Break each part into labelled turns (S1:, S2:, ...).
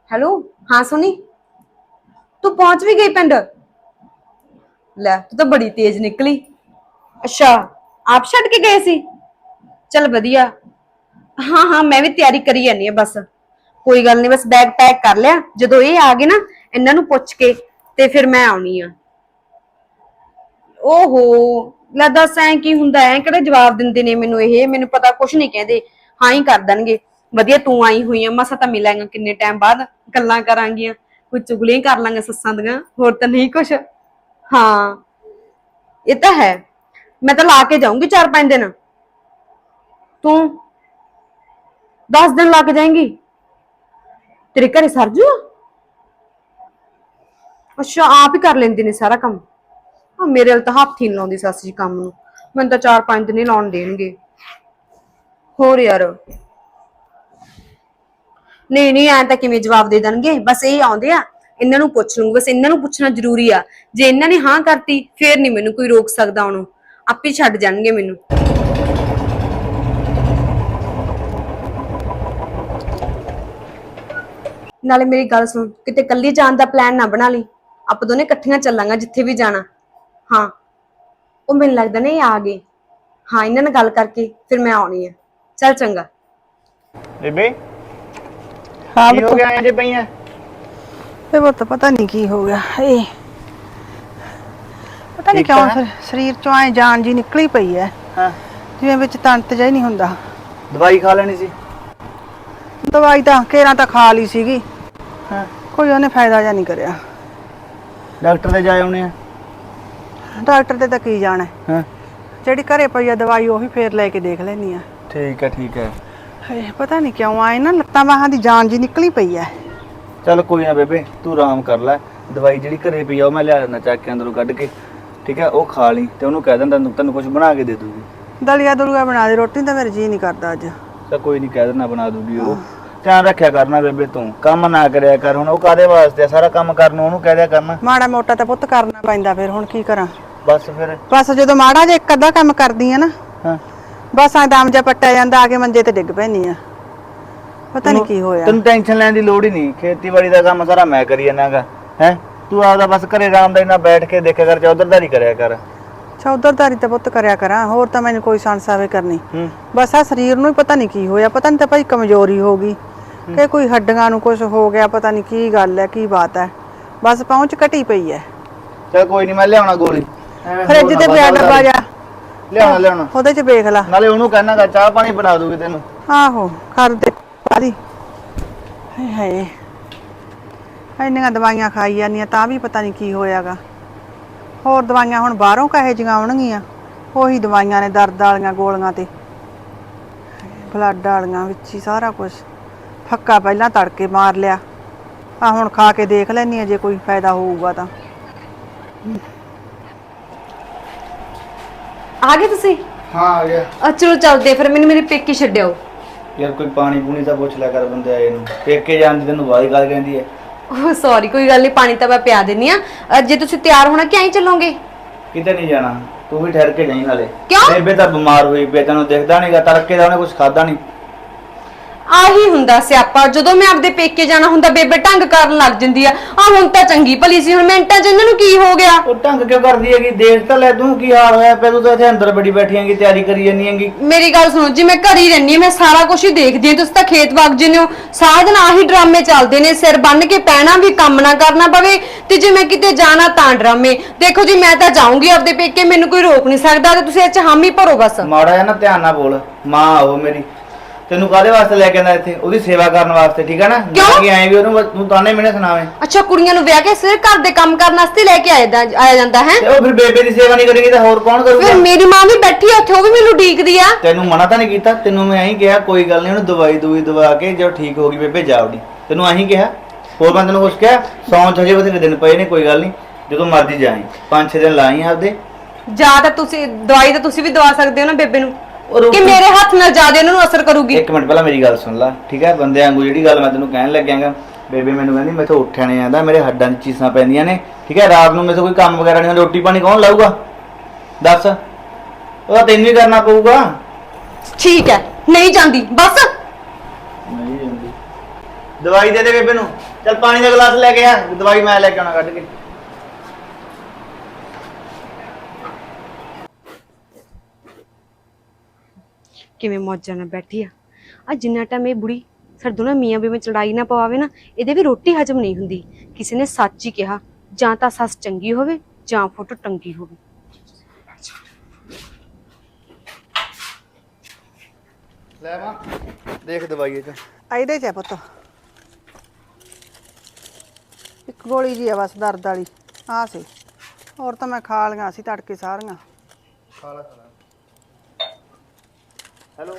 S1: Hello. हाँ सोनी, तू पहुंच भी गई पिंड? ले तू तो बड़ी तेज निकली। अच्छा, आप छड़ के गए सी? चल वधिया। हाँ हाँ, मैं भी तैयारी करी जानी है बस। कोई गल नहीं, बस बैग पैक कर लिया। जो ये आ गए ना, इन्हां नूं पुछ के ते फिर मैं आउणी आ। ओहो, ਲੈ ਦੱਸ ਐ ਕੀ ਹੁੰਦਾ ਐ? ਕਿਹੜੇ ਜਵਾਬ ਦਿੰਦੇ ਨੇ ਮੈਨੂੰ? ਇਹ ਮੈਨੂੰ ਪਤਾ ਕੁਛ ਨਹੀਂ ਕਹਿੰਦੇ, ਹਾਂ ਹੀ ਕਰ ਦੇਣਗੇ। ਵਧੀਆ ਤੂੰ ਆਈ ਹੋਈ ਆ, ਮਸਾ ਤਾਂ ਮਿਲਾਂਗਾ ਕਿੰਨੇ ਟਾਈਮ ਬਾਅਦ, ਗੱਲਾਂ ਕਰਾਂਗੀਆਂ, ਕੋਈ ਚੁਗਲੀਆਂ ਕਰ ਲਾਂਗੇ ਸੱਸਾਂ ਦੀਆਂ, ਹੋਰ ਤਾਂ ਨਹੀਂ ਕੁਛ। ਹਾਂ ਇਹ ਤਾਂ ਹੈ। ਮੈਂ ਤਾਂ ਲਾ ਕੇ ਜਾਊਂਗੀ 4-5 ਦਿਨ। ਤੂੰ 10 ਦਿਨ ਲਾ ਕੇ ਜਾਏਂਗੀ? ਤੇਰੇ ਘਰੇ ਸਰਜੂ? ਅੱਛਾ, ਆਪ ਹੀ ਕਰ ਲੈਂਦੇ ਨੇ ਸਾਰਾ ਕੰਮ। ਮੇਰੇ ਵੱਲ ਤਾਂ ਹੱਥ ਹੀ ਨੀ ਲਾਉਂਦੀ ਸੱਸ ਜੀ ਕੰਮ ਨੂੰ। ਮੈਨੂੰ ਤਾਂ 4-5 ਦਿਨ ਹੀ ਲਾਉਣ ਦੇਣਗੇ। ਹੋਰ ਯਾਰ, ਨਹੀਂ ਨਹੀਂ, ਐ ਤਾਂ ਕਿਵੇਂ ਜਵਾਬ ਦੇ ਦੇਣਗੇ? ਬਸ ਇਹ ਆਉਂਦੇ ਆ, ਇਹਨਾਂ ਨੂੰ ਪੁੱਛ ਲੂੰਗੀ। ਬਸ ਇਹਨਾਂ ਨੂੰ ਪੁੱਛਣਾ ਜ਼ਰੂਰੀ ਆ। ਜੇ ਇਹਨਾਂ ਨੇ ਹਾਂ ਕਰਤੀ ਫੇਰ ਨਹੀਂ ਮੈਨੂੰ ਕੋਈ ਰੋਕ ਸਕਦਾ। ਉਹਨੂੰ ਆਪੇ ਛੱਡ ਜਾਣਗੇ ਮੈਨੂੰ। ਨਾਲੇ ਮੇਰੀ ਗੱਲ ਸੁਣ, ਕਿਤੇ ਕੱਲੀ ਜਾਣ ਦਾ ਪਲਾਨ ਨਾ ਬਣਾ ਲਈ। ਆਪਾਂ ਦੋਨੇ ਇਕੱਠੀਆਂ ਚੱਲਾਂਗਾ ਜਿੱਥੇ ਵੀ ਜਾਣਾ। ਹਾਂ, ਉਹ ਮੈਨੂੰ ਲੱਗਦਾ ਨੇ ਇਹ ਆ ਗਏ। ਹਾਂ, ਇਹਨਾਂ ਨਾਲ ਗੱਲ ਕਰਕੇ ਫਿਰ ਮੈਂ ਆਉਣੀ ਆ। ਚੱਲ ਚੰਗਾ।
S2: ਬੇਬੇ
S3: हाँ
S2: ਕੀ ਹੋ ਗਿਆ ਐਂ ਜੇ ਪਈਆਂ?
S3: वो तो पता नहीं की हो गया पता नहीं
S2: ठीक
S3: क्यों
S2: है।
S3: शरीर चो आए जान जी निकली पई है।
S2: ਹਾਂ
S3: जिवें विच तंत जा ही नहीं हुंदा।
S2: ਦਵਾਈ ਖਾ ਲੈਣੀ ਸੀ।
S3: दवाई तो केरा तो खा ली सीगी,
S2: ਹਾਂ
S3: कोई उन्हें फायदा जा नहीं करिया।
S2: ਡਾਕਟਰ ਦੇ ਜਾਏ ਆਉਣੇ ਆ।
S3: डॉक्टर ते तां की जाना है,
S2: ਹਾਂ
S3: जिहड़ी घरे पई है दवाई ओही फेर लेके देख लैनी आ।
S2: ਠੀਕ ਹੈ।
S3: पता नहीं क्यों आए ना लत्तां बाहां दी जान जी निकली पई है।
S2: ਚੱਲ ਕੋਈ ਨਾ ਬੇਬੇ, ਤੂੰ ਆਰਾਮ ਕਰ ਲੈ। ਦਵਾਈ ਜਿਹੜੀ ਘਰੇ ਪਈ ਆ ਉਹ ਮੈਂ ਲਿਆ ਦਿੰਦਾ ਚੱਕ ਕੇ ਅੰਦਰੋਂ ਕੱਢ ਕੇ, ਠੀਕ ਹੈ? ਉਹ ਖਾ ਲਈ ਤੇ ਉਹਨੂੰ ਕਹਿ ਦਿੰਦਾ ਤੈਨੂੰ ਕੁਝ ਬਣਾ ਕੇ ਦੇ ਦੂਗੀ।
S3: दलिया दुलिया बना दे, रोटी तो मेरा जी नहीं करता अज।
S2: ਤਾਂ ਕੋਈ ਨਹੀਂ, ਕਹਿ ਦਿੰਦਾ ਬਣਾ ਦੂਗੀ ਉਹ। ਧਿਆਨ ਰੱਖਿਆ ਕਰਨਾ ਬੇਬੇ, ਤੂੰ ਕੰਮ ਨਾ ਕਰਿਆ ਕਰ। ਹੁਣ ਉਹ ਕਾਦੇ ਵਾਸਤੇ ਆ? ਸਾਰਾ ਕੰਮ ਕਰਨ ਨੂੰ ਉਹਨੂੰ ਕਹਿ ਦਿਆ ਕਰਨਾ।
S3: माड़ा मोटा तो पुत्त करना पैंदा, फिर हुण की करा।
S2: ਬਸ ਫਿਰ।
S3: बस जो माड़ा जे एक अद्धा काम करदी है ना,
S2: ਹਾਂ
S3: बस आ दम जा पट्टिया जांदा, आके मंजे ते डिग पैनी आ। पता नहीं की होया।
S2: ਤੈਨੂੰ ਟੈਨਸ਼ਨ ਲੈਣ ਦੀ ਲੋੜ ਹੀ ਨਹੀਂ। ਖੇਤੀਬਾੜੀ ਦਾ ਕੰਮ ਸਾਰਾ ਮੈਂ ਕਰੀ ਜਾਣਾਗਾ। ਹੈ ਤੂੰ ਆਪਦਾ ਬਸ ਘਰੇ ਆਰਾਮ ਨਾਲ ਬੈਠ ਕੇ ਦੇਖਿਆ ਕਰ, ਚੌਧਰਦਾਰੀ ਕਰਿਆ ਕਰ।
S3: चौधरदारी तो पुत्त करया करा, होर तो मैंने कोई संसावे करनी।
S2: ਹੂੰ
S3: बस आ शरीर नूं ही पता नहीं की होया, पता नहीं तो भाई कमजोरी हो गई कि कोई हड्डियां नूं कुछ हो गया, पता नहीं की गल है की बात है। बस पहुंच घटी पई है।
S2: ਚੱਲ ਕੋਈ ਨਹੀਂ, ਮੈਂ ਲਿਆਉਣਾ ਗੋਲੀ।
S3: फ्रिज ते पिया डब्बा जा,
S2: ਲਿਆਉਣਾ
S3: ओदे च वेख ला।
S2: ਨਾਲੇ ਉਹਨੂੰ ਕਹਿਣਾਗਾ ਚਾਹ ਪਾਣੀ ਬਣਾ ਦੂਗੀ ਤੈਨੂੰ।
S3: आहो कर दे पारी। हाय हाय, इन्नियां दवाइयां खाई जानियां तां भी पता नहीं की होयागा। होर दवाइयां हुण बाहरों कहे जियां आउणगीਆਂ, ਉਹੀ दवाइयां ने दर्द वालियां गोलियां ते ब्लड वालियां विच ही सारा कुछ। फक्का पहलां तड़के मार लिया, आ हुण खा के देख लैनी जे कोई फायदा होऊगा तां।
S1: ਆ ਗਏ ਤੁਸੀਂ?
S2: ਹਾਂ ਆ ਗਿਆ।
S1: ਚਲੋ ਚੱਲਦੇ ਫਿਰ, ਮੈਨੂੰ ਮੇਰੇ ਪੇਕੇ ਛੱਡਿਓ।
S2: ਯਾਰ ਕੋਈ ਪਾਣੀ ਪੂਣੀ ਤਾਂ ਪੁੱਛ ਲਿਆ ਕਰ ਬੰਦੇ ਆਏ ਨੂੰ। ਪੇਕੇ ਜਾਣ ਦੀ ਤੈਨੂੰ ਬਾਹਰ ਗੱਲ ਕਹਿੰਦੀ ਹੈ।
S1: ਓਹ ਸੌਰੀ, ਕੋਈ ਗੱਲ ਨਹੀਂ, ਪਾਣੀ ਤਾਂ ਮੈਂ ਪਿਆ ਦਿੰਨੀ ਆ। ਜੇ ਤੁਸੀਂ ਤਿਆਰ ਹੋਣਾ ਕਿ ਐਂ ਚੱਲੋਗੇ?
S2: ਕਿਤੇ ਨਹੀਂ ਜਾਣਾ, ਤੂੰ ਵੀ ਠਹਿਰ ਕੇ ਜਾਈਂ। ਨਾਲੇ
S1: ਕਿਉਂ?
S2: ਬੇਬੇ ਤਾਂ ਬਿਮਾਰ ਹੋਈ ਪਈ, ਤੈਨੂੰ ਦਿਖਦਾ ਨਹੀਂਗਾ। ਤੜਕੇ ਦਾ ਉਹਨੇ ਕੁਝ ਖਾਦਾ ਨਹੀਂ।
S1: ਆਹੀ ਹੁੰਦਾ ਸਿਆਪਾ, ਜਦੋਂ ਮੈਂ ਆਪਦੇ ਪੇਕੇ ਜਾਣਾ ਹੁੰਦਾ ਬੇਬੇ ਢੰਗ ਕਰਨ ਲੱਗ ਜਾਂਦੀ ਆ। ਹੁਣ ਤਾਂ ਚੰਗੀ ਭਲੀ ਸੀ, ਹੁਣ ਮਿੰਟਾਂ 'ਚ ਇਹਨਾਂ ਨੂੰ ਕੀ ਹੋ ਗਿਆ?
S2: ਉਹ ਢੰਗ ਕਿਉਂ ਕਰਦੀ ਹੈਗੀ? ਦੇਖ ਤਾਂ ਲੈ ਤੂੰ ਕੀ ਹਾਲ ਹੋਇਆ ਪਿਆ। ਤੂੰ ਤਾਂ ਇੱਥੇ ਅੰਦਰ ਬੜੀ ਬੈਠੀ ਹੈਗੀ, ਤਿਆਰੀ ਕਰੀ ਜਾਂਦੀ ਹੈਗੀ।
S1: ਮੇਰੀ ਗੱਲ ਸੁਣੋ ਜੀ, ਮੈਂ ਘਰ ਹੀ ਰਹਿੰਦੀ ਹਾਂ, ਮੈਂ ਸਾਰਾ ਕੁਝ ਹੀ ਦੇਖਦੀ ਹਾਂ। ਤੁਸੀਂ ਤਾਂ ਖੇਤ ਵਗ ਜਾਂਦੇ ਹੋ, ਸਾਰਾ ਦਿਨ ਆਹੀ ਡਰਾਮੇ ਚੱਲਦੇ ਨੇ। ਸਿਰ ਬੰਨ ਕੇ ਪੈਣਾ ਵੀ, ਕੰਮ ਨਾ ਕਰਨਾ ਪਵੇ, ਤੇ ਜੇ ਮੈਂ ਕਿਤੇ ਜਾਣਾ ਤਾਂ ਡਰਾਮੇ। ਦੇਖੋ ਜੀ, ਮੈਂ ਤਾਂ ਜਾਊਂਗੀ ਆਪਦੇ ਪੇਕੇ, ਮੈਨੂੰ ਕੋਈ ਰੋਕ ਨਹੀਂ ਸਕਦਾ, ਤੇ ਤੁਸੀਂ ਇਹ 'ਚ ਹਾਮੀ ਭਰੋ ਬਸ।
S2: ਮਾੜਾ ਜਿਹਾ ਨਾ ਧਿਆਨ ਨਾਲ ਬੋਲ। ਮਾਂ ਉਹ ਮੇਰੀ ਤੈਨੂੰ ਕਾਹਦੇ ਵਾਸਤੇ ਲੈ ਕੇ ਆਂਦਾ ਇੱਥੇ? ਉਹਦੀ ਸੇਵਾ ਕਰਨ ਵਾਸਤੇ, ਠੀਕ ਹੈ ਨਾ?
S1: ਕਿਉਂ?
S2: ਕਿ ਐਂ ਵੀ ਉਹਨੂੰ ਤੂੰ ਤਾਨੇ ਮੈਨੇ ਸੁਣਾਵੇਂ।
S1: ਅੱਛਾ, ਕੁੜੀਆਂ ਨੂੰ ਵਿਆਹ ਕੇ ਸਿਰਫ ਘਰ ਦੇ ਕੰਮ ਕਰਨ ਵਾਸਤੇ ਲੈ ਕੇ ਆਇਆ ਜਾਂਦਾ ਹੈ?
S2: ਤੇ ਉਹ ਫਿਰ ਬੇਬੇ ਦੀ ਸੇਵਾ ਨਹੀਂ ਕਰੇਗੀ ਤਾਂ ਹੋਰ ਕੌਣ ਕਰੂਗਾ?
S1: ਫਿਰ ਮੇਰੀ ਮਾਂ ਵੀ ਬੈਠੀ ਆ ਉੱਥੇ, ਉਹ ਵੀ ਮੈਨੂੰ ਉਡੀਕਦੀ ਆ।
S2: ਤੈਨੂੰ ਮਨਾ ਤਾਂ ਨਹੀਂ ਕੀਤਾ? ਤੈਨੂੰ ਮੈਂ ਐਂ ਕਿਹਾ ਕੋਈ ਗੱਲ ਨਹੀਂ, ਉਹਨੂੰ ਦਵਾਈ ਦਵਾ ਕੇ ਜਦੋਂ ਠੀਕ ਹੋ ਗਈ ਬੇਬੇ ਜਾ ਉਡੀ। ਤੈਨੂੰ ਐਂ ਕਿਹਾ, ਹੋਰ ਮੈਂ ਤੈਨੂੰ ਕੁਛ ਕਿਹਾ? ਸੌਂ ਹਜੇ ਬਥੇਰੇ ਦਿਨ ਪਏ ਨੇ, ਕੋਈ ਗੱਲ ਨਹੀਂ, ਜਦੋਂ ਮਰਜ਼ੀ ਜਾਈਂ। 5-6 ਦਿਨ ਲਾਈ ਆਪਦੇ।
S1: ਜਾਂ ਤਾਂ ਤੁਸੀਂ ਦਵਾਈ ਤਾਂ ਤੁਸੀਂ ਵੀ ਦਵਾ ਸਕਦੇ ਹੋ ਨਾ ਬੇਬੇ ਨੂੰ, ਕਿ ਮੇਰੇ ਹੱਥ ਨਾਲ ਜ਼ਿਆਦਾ ਉਹਨਾਂ ਨੂੰ ਅਸਰ ਕਰੂਗੀ।
S2: ਇੱਕ ਮਿੰਟ ਪਹਿਲਾਂ ਮੇਰੀ ਗੱਲ ਸੁਣ ਲੈ, ਠੀਕ ਹੈ? ਬੰਦੇ ਵਾਂਗੂ ਜਿਹੜੀ ਗੱਲ ਮੈਂ ਤੈਨੂੰ ਕਹਿਣ ਲੱਗਿਆਗਾ। ਬੇਬੇ ਮੈਨੂੰ ਕਹਿੰਦੀ ਮੈਥੋਂ ਉੱਠਿਆ ਨਹੀਂ ਜਾਂਦਾ, ਮੇਰੇ ਹੱਡਾਂ 'ਚ ਚੀਸਾਂ ਪੈਂਦੀਆਂ ਨੇ, ਠੀਕ ਹੈ? ਰਾਤ ਨੂੰ ਮੈਥੋਂ ਕੋਈ ਕੰਮ ਵਗੈਰਾ ਨਹੀਂ, ਰੋਟੀ ਪਾਣੀ ਕੌਣ ਲਾਊਗਾ ਦੱਸ? ਉਹਦਾ ਤੈਨੂੰ ਹੀ ਕਰਨਾ ਪਊਗਾ।
S1: ਠੀਕ ਹੈ, ਨਹੀਂ ਜਾਂਦੀ ਬਸ।
S2: ਨਹੀਂ ਜਾਂਦੀ ਦਵਾਈ ਦੇ ਦੇ ਬੇਬੇ ਨੂੰ। ਚੱਲ ਪਾਣੀ ਦਾ ਗਲਾਸ ਲੈ ਕੇ ਆ, ਦਵਾਈ ਮੈਂ ਲੈ ਕੇ ਆਉਣਾ ਕੱਢ ਕੇ।
S1: ਕਿਵੇਂ ਮੌਜਾਂ ਨਾਲ ਬੈਠੀ ਆ ਜਿੰਨਾ ਟਾਈਮ ਇਹ ਬੁੜੀ ਸਾਡੇ ਦੋਨਾਂ ਮੀਆਂ ਬੀਵੀ ਵਿੱਚ ਲੜਾਈ ਨਾ ਪਵਾਵੇ ਨਾ, ਇਹਦੇ ਵੀ ਰੋਟੀ ਹਜਮ ਨਹੀਂ ਹੁੰਦੀ। ਕਿਸੇ ਨੇ ਸੱਚ ਹੀ ਕਿਹਾ, ਜਾਂ ਤਾਂ ਸੱਸ ਚੰਗੀ ਹੋਵੇ ਜਾਂ ਫੋਟੋ ਟੰਗੀ ਹੋਵੇ।
S2: ਲੈ ਮਾਂ ਦੇਖ ਦਵਾਈ ਇਹ ਚ।
S3: ਇਹਦੇ ਚ ਹੈ ਪੁੱਤ, ਇੱਕ ਗੋਲੀ ਜੀ ਆ ਬਸ ਦਰਦ ਵਾਲੀ। ਆ ਸੀ, ਹੋਰ ਤਾਂ ਮੈਂ ਖਾ ਲਈਆਂ ਸੀ ਤੜਕੇ ਸਾਰੀਆਂ।
S2: ਖਾ ਲਾ। ਹੈਲੋ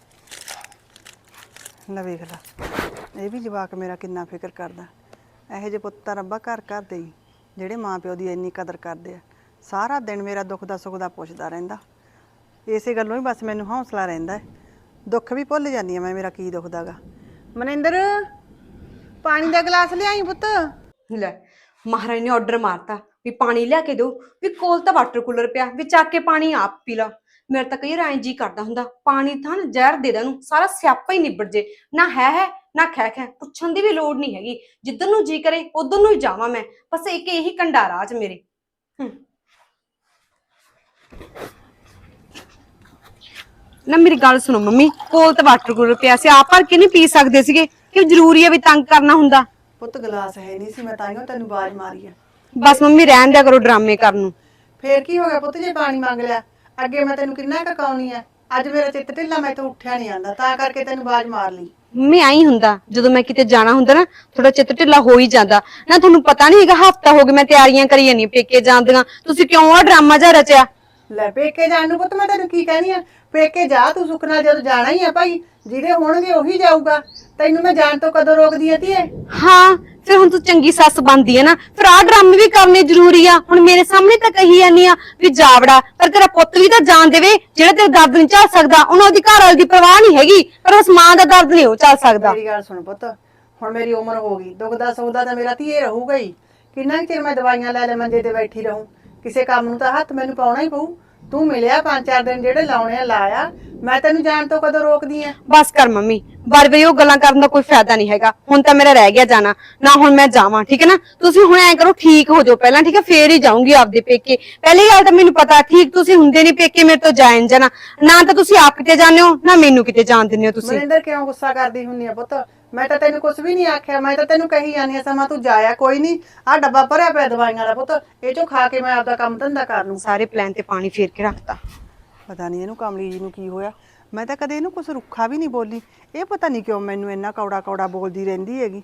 S3: ਲੈ ਵੇਖ ਲਾ, ਇਹ ਵੀ ਜਵਾਕ ਮੇਰਾ ਕਿੰਨਾ ਫਿਕਰ ਕਰਦਾ। ਇਹੋ ਜਿਹੇ ਪੁੱਤ ਤਾਂ ਰੱਬਾ ਘਰ ਘਰ ਦੇ ਹੀ, ਜਿਹੜੇ ਮਾਂ ਪਿਓ ਦੀ ਇੰਨੀ ਕਦਰ ਕਰਦੇ ਆ। ਸਾਰਾ ਦਿਨ ਮੇਰਾ ਦੁੱਖ ਦਾ ਸੁੱਖ ਦਾ ਪੁੱਛਦਾ ਰਹਿੰਦਾ। ਇਸੇ ਗੱਲੋਂ ਹੀ ਬਸ ਮੈਨੂੰ ਹੌਸਲਾ ਰਹਿੰਦਾ ਹੈ। ਦੁੱਖ ਵੀ ਭੁੱਲ ਜਾਂਦੀ ਆ ਮੈਂ, ਮੇਰਾ ਕੀ ਦੁਖਦਾ ਗਾ। ਮਨਿੰਦਰ, ਪਾਣੀ ਦਾ ਗਲਾਸ ਲਿਆਈ ਪੁੱਤ।
S1: ਲੈ ਮਹਾਰਾਜ ਨੇ ਆਰਡਰ ਮਾਰਤਾ ਵੀ ਪਾਣੀ ਲਿਆ ਕੇ ਦਿਓ, ਵੀ ਕੋਲ ਤਾਂ ਵਾਟਰ ਕੂਲਰ ਪਿਆ, ਵੀ ਚੱਕ ਕੇ ਪਾਣੀ ਆਪ ਪੀ ਲਾ। ਮੇਰਾ ਤਾਂ ਕਈ ਵਾਰ ਐਂ ਜੀ ਕਰਦਾ ਹੁੰਦਾ ਪਾਣੀ ਤਾਂ ਜ਼ਹਿਰ ਦੇ ਦੇਣ ਨੂੰ, ਸਾਰਾ ਸਿਆਪਾ ਹੀ ਨਿਬੜ ਜੇ। ਨਾ ਹੈ ਨਾ ਖੈ ਖੈ, ਪੁੱਛਣ ਦੀ ਵੀ ਲੋੜ ਨਹੀਂ ਹੈਗੀ। ਜਿੱਧਰ ਨੂੰ ਜੀ ਕਰੇ ਉਧਰ ਨੂੰ ਹੀ ਜਾਵਾਂ ਮੈਂ, ਬਸ ਇੱਕ ਇਹੀ ਕੰਡਾਰਾ ਚ ਮੇਰੇ। ਨਾ ਮੇਰੀ ਗੱਲ ਸੁਣੋ ਮੰਮੀ, ਕੋਲ ਤਾਂ ਵਾਟਰ ਕੂਲਰ ਪਿਆ ਸੀ, ਆਪ ਭਰ ਕੇ ਨਹੀਂ ਪੀ ਸਕਦੇ ਸੀਗੇ ਕਿ ਜ਼ਰੂਰੀ ਹੈ ਵੀ ਤੰਗ ਕਰਨਾ ਹੁੰਦਾ?
S3: ਪੁੱਤ ਗਲਾਸ ਹੈ ਨਹੀਂ ਸੀ, ਮੈਂ ਤਾਈਓ ਤੈਨੂੰ ਆਵਾਜ਼ ਮਾਰੀ ਆ।
S1: ਬਸ ਮੰਮੀ ਰਹਿਣ ਦਿਆ ਕਰੋ ਡਰਾਮੇ ਕਰਨ ਨੂੰ।
S3: ਫੇਰ ਕੀ ਹੋ ਗਿਆ ਪੁੱਤ ਜੇ ਪਾਣੀ ਮੰਗ ਲਿਆ? ਅੱਗੇ ਮੈਂ ਤੈਨੂੰ ਕਿੰਨਾ ਕਕਾਉਣੀ ਆ, ਅੱਜ ਮੇਰਾ ਚਿੱਤ ਢਿੱਲਾ, ਮੈਂ ਤਾਂ ਉੱਠਿਆ ਨਹੀਂ ਆਂਦਾ, ਤਾਂ ਕਰਕੇ ਤੈਨੂੰ ਆਵਾਜ਼ ਮਾਰ ਲਈ।
S1: ਮੰਮੀ ਆਈ ਹੁੰਦਾ, ਜਦੋਂ ਮੈਂ ਕਿਤੇ ਜਾਣਾ ਹੁੰਦਾ ਨਾ ਥੋੜਾ ਚਿੱਤ ਢਿੱਲਾ ਹੋ ਹੀ ਜਾਂਦਾ ਨਾ। ਤੁਹਾਨੂੰ ਪਤਾ ਨਹੀਂ ਹੈਗਾ, ਹਫਤਾ ਹੋ ਗਿਆ ਮੈਂ ਤਿਆਰੀਆਂ ਕਰੀ ਜਾਂਦੀ ਪੇਕੇ ਜਾਣ ਦੀਆਂ, ਤੁਸੀਂ ਕਿਉਂ ਆ ਡਰਾਮਾ ਜਿਹਾ ਰਚਿਆ?
S3: ਲੈ ਪੇਕੇ ਜਾਣ ਨੂੰ ਪੁੱਤ ਮੈਂ ਤੈਨੂੰ ਕੀ ਕਹਿਣੀ ਆ, ਪੇਕੇ ਜਾ ਤੂੰ ਸੁੱਖ ਨਾਲ, ਜਦੋਂ ਜਾਣਾ ਹੀ ਆ ਭਾਈ, ਜਿਹਦੇ ਹੋਣਗੇ ਉਹੀ ਜਾਊਗਾ। ਤੈਨੂੰ ਮੈਂ ਜਾਣ ਤੋਂ ਕਦੋਂ ਰੋਕਦੀ ਆ ਧੀਏ?
S1: ਹਾਂ ਫਿਰ ਹੁਣ ਤੂੰ ਚੰਗੀ ਸੱਸ ਬਣਦੀ ਹੈ ਨਾ, ਫਿਰ ਆਹ ਡਰਾਮੇ ਵੀ ਕਰਨੇ ਜ਼ਰੂਰੀ ਆ। ਹੁਣ ਮੇਰੇ ਸਾਹਮਣੇ ਤਾਂ ਕਹੀ ਜਾਂਦੀ ਆ ਵੀ ਜਾਵੜਾ, ਪਰ ਤੇਰਾ ਪੁੱਤ ਵੀ ਤਾਂ ਜਾਣ ਦੇਵੇ। ਜਿਹੜਾ ਤੇਰਾ ਦਰਦ ਨਹੀਂ ਝੱਲ ਸਕਦਾ, ਉਹਨੂੰ ਉਹਦੀ ਘਰ ਵਾਲੀ ਦੀ ਪਰਵਾਹ ਨਹੀਂ ਹੈਗੀ, ਪਰ ਉਸ ਮਾਂ ਦਾ ਦਰਦ ਨਹੀਂ ਉਹ ਝੱਲ ਸਕਦਾ।
S3: ਮੇਰੀ ਗੱਲ ਸੁਣ ਪੁੱਤ, ਹੁਣ ਮੇਰੀ ਉਮਰ ਹੋ ਗਈ, ਦੁਖਦਾ ਸੁਖਦਾ ਤਾਂ ਮੇਰਾ ਧੀਏ ਰਹੂਗਾ ਹੀ। ਕਿੰਨਾ ਕੁ ਚਿਰ ਮੈਂ ਦਵਾਈਆਂ ਲੈ ਲੈ ਮੰਜੇ ਤੇ ਬੈਠੀ ਰਹੂੰ? ਕਿਸੇ ਕੰਮ ਨੂੰ ਤਾਂ ਹੱਥ ਮੈਨੂੰ ਪਾਉਣਾ ਹੀ ਪਊ। ਤੂੰ ਮਿਲਿਆ 5-4 ਦਿਨ ਜਿਹੜੇ ਲਾਉਣੇ ਆ ਲਾਇਆ, ਮੈਂ ਤੈਨੂੰ ਜਾਣ ਤੋਂ ਕਦੋਂ ਰੋਕਦੀ ਆ?
S1: ਬਸ ਕਰ ਮੰਮੀ, ਬਾਰ-ਬਾਰ ਉਹ ਗੱਲਾਂ ਕਰਨ ਦਾ ਕੋਈ ਫਾਇਦਾ ਨਹੀਂ ਹੈਗਾ। ਹੁਣ ਤਾਂ ਮੇਰਾ ਰਹਿ ਗਿਆ ਜਾਣਾ ਨਾ, ਹੁਣ ਮੈਂ ਜਾਵਾਂ, ਠੀਕ ਹੈ ਨਾ? ਤੁਸੀਂ ਹੁਣ ਐਂ ਕਰੋ, ਠੀਕ ਹੋ ਜਾਓ ਪਹਿਲਾਂ, ਠੀਕ ਹੈ? ਫੇਰ ਹੀ ਜਾਊਂਗੀ ਆਪਦੇ ਪੇਕੇ। ਪਹਿਲੀ ਗੱਲ ਤਾਂ ਮੈਨੂੰ ਪਤਾ ਠੀਕ ਤੁਸੀਂ ਹੁੰਦੇ ਨਹੀਂ ਪੇਕੇ ਮੇਰੇ ਤੋਂ ਜਾਣ ਜਾਣਾ, ਨਾ ਤਾਂ ਤੁਸੀਂ ਆਪ ਕਿਤੇ ਜਾਂਦੇ ਹੋ ਨਾ ਮੈਨੂੰ ਕਿਤੇ ਜਾਣ ਦਿੰਦੇ ਹੋ ਤੁਸੀਂ।
S3: ਮਨਿੰਦਰ ਕਿਉਂ ਗੁੱਸਾ ਕਰਦੀ ਹੁੰਨੀ ਆ ਪੁੱਤ? ਮੈਂ ਤਾਂ ਤੈਨੂੰ ਕੁਝ ਵੀ ਨਹੀਂ ਆਖਿਆ, ਮੈਂ ਤਾਂ ਤੈਨੂੰ ਕਹੀ ਜਾਂਦੀ ਆ ਸਮਾਂ ਤੂੰ ਜਾਇਆ ਕੋਈ ਨਹੀਂ। ਆਹ ਡੱਬਾ ਭਰਿਆ ਪਿਆ ਦਵਾਈਆਂ ਦਾ ਪੁੱਤ, ਇਹ ਚੋਂ ਖਾ ਕੇ ਮੈਂ ਆਪਦਾ ਕੰਮ ਧੰਦਾ ਕਰ ਲੂੰ।
S1: ਸਾਰੇ ਪਲਾਨ ਤੇ ਪਾਣੀ ਫੇਰ ਕੇ ਰੱਖਤਾ।
S3: ਪਤਾ ਨਹੀਂ ਇਹਨੂੰ ਕਮਲੀ ਜੀ ਨੂੰ ਕੀ ਹੋਇਆ, ਮੈਂ ਤਾਂ ਕਦੇ ਇਹਨੂੰ ਕੁਝ ਰੁੱਖਾ ਵੀ ਨਹੀਂ ਬੋਲੀ। ਇਹ ਪਤਾ ਨਹੀਂ ਕਿਉਂ ਮੈਨੂੰ ਇੰਨਾ ਕੌੜਾ ਕੌੜਾ ਬੋਲਦੀ ਰਹਿੰਦੀ ਹੈਗੀ।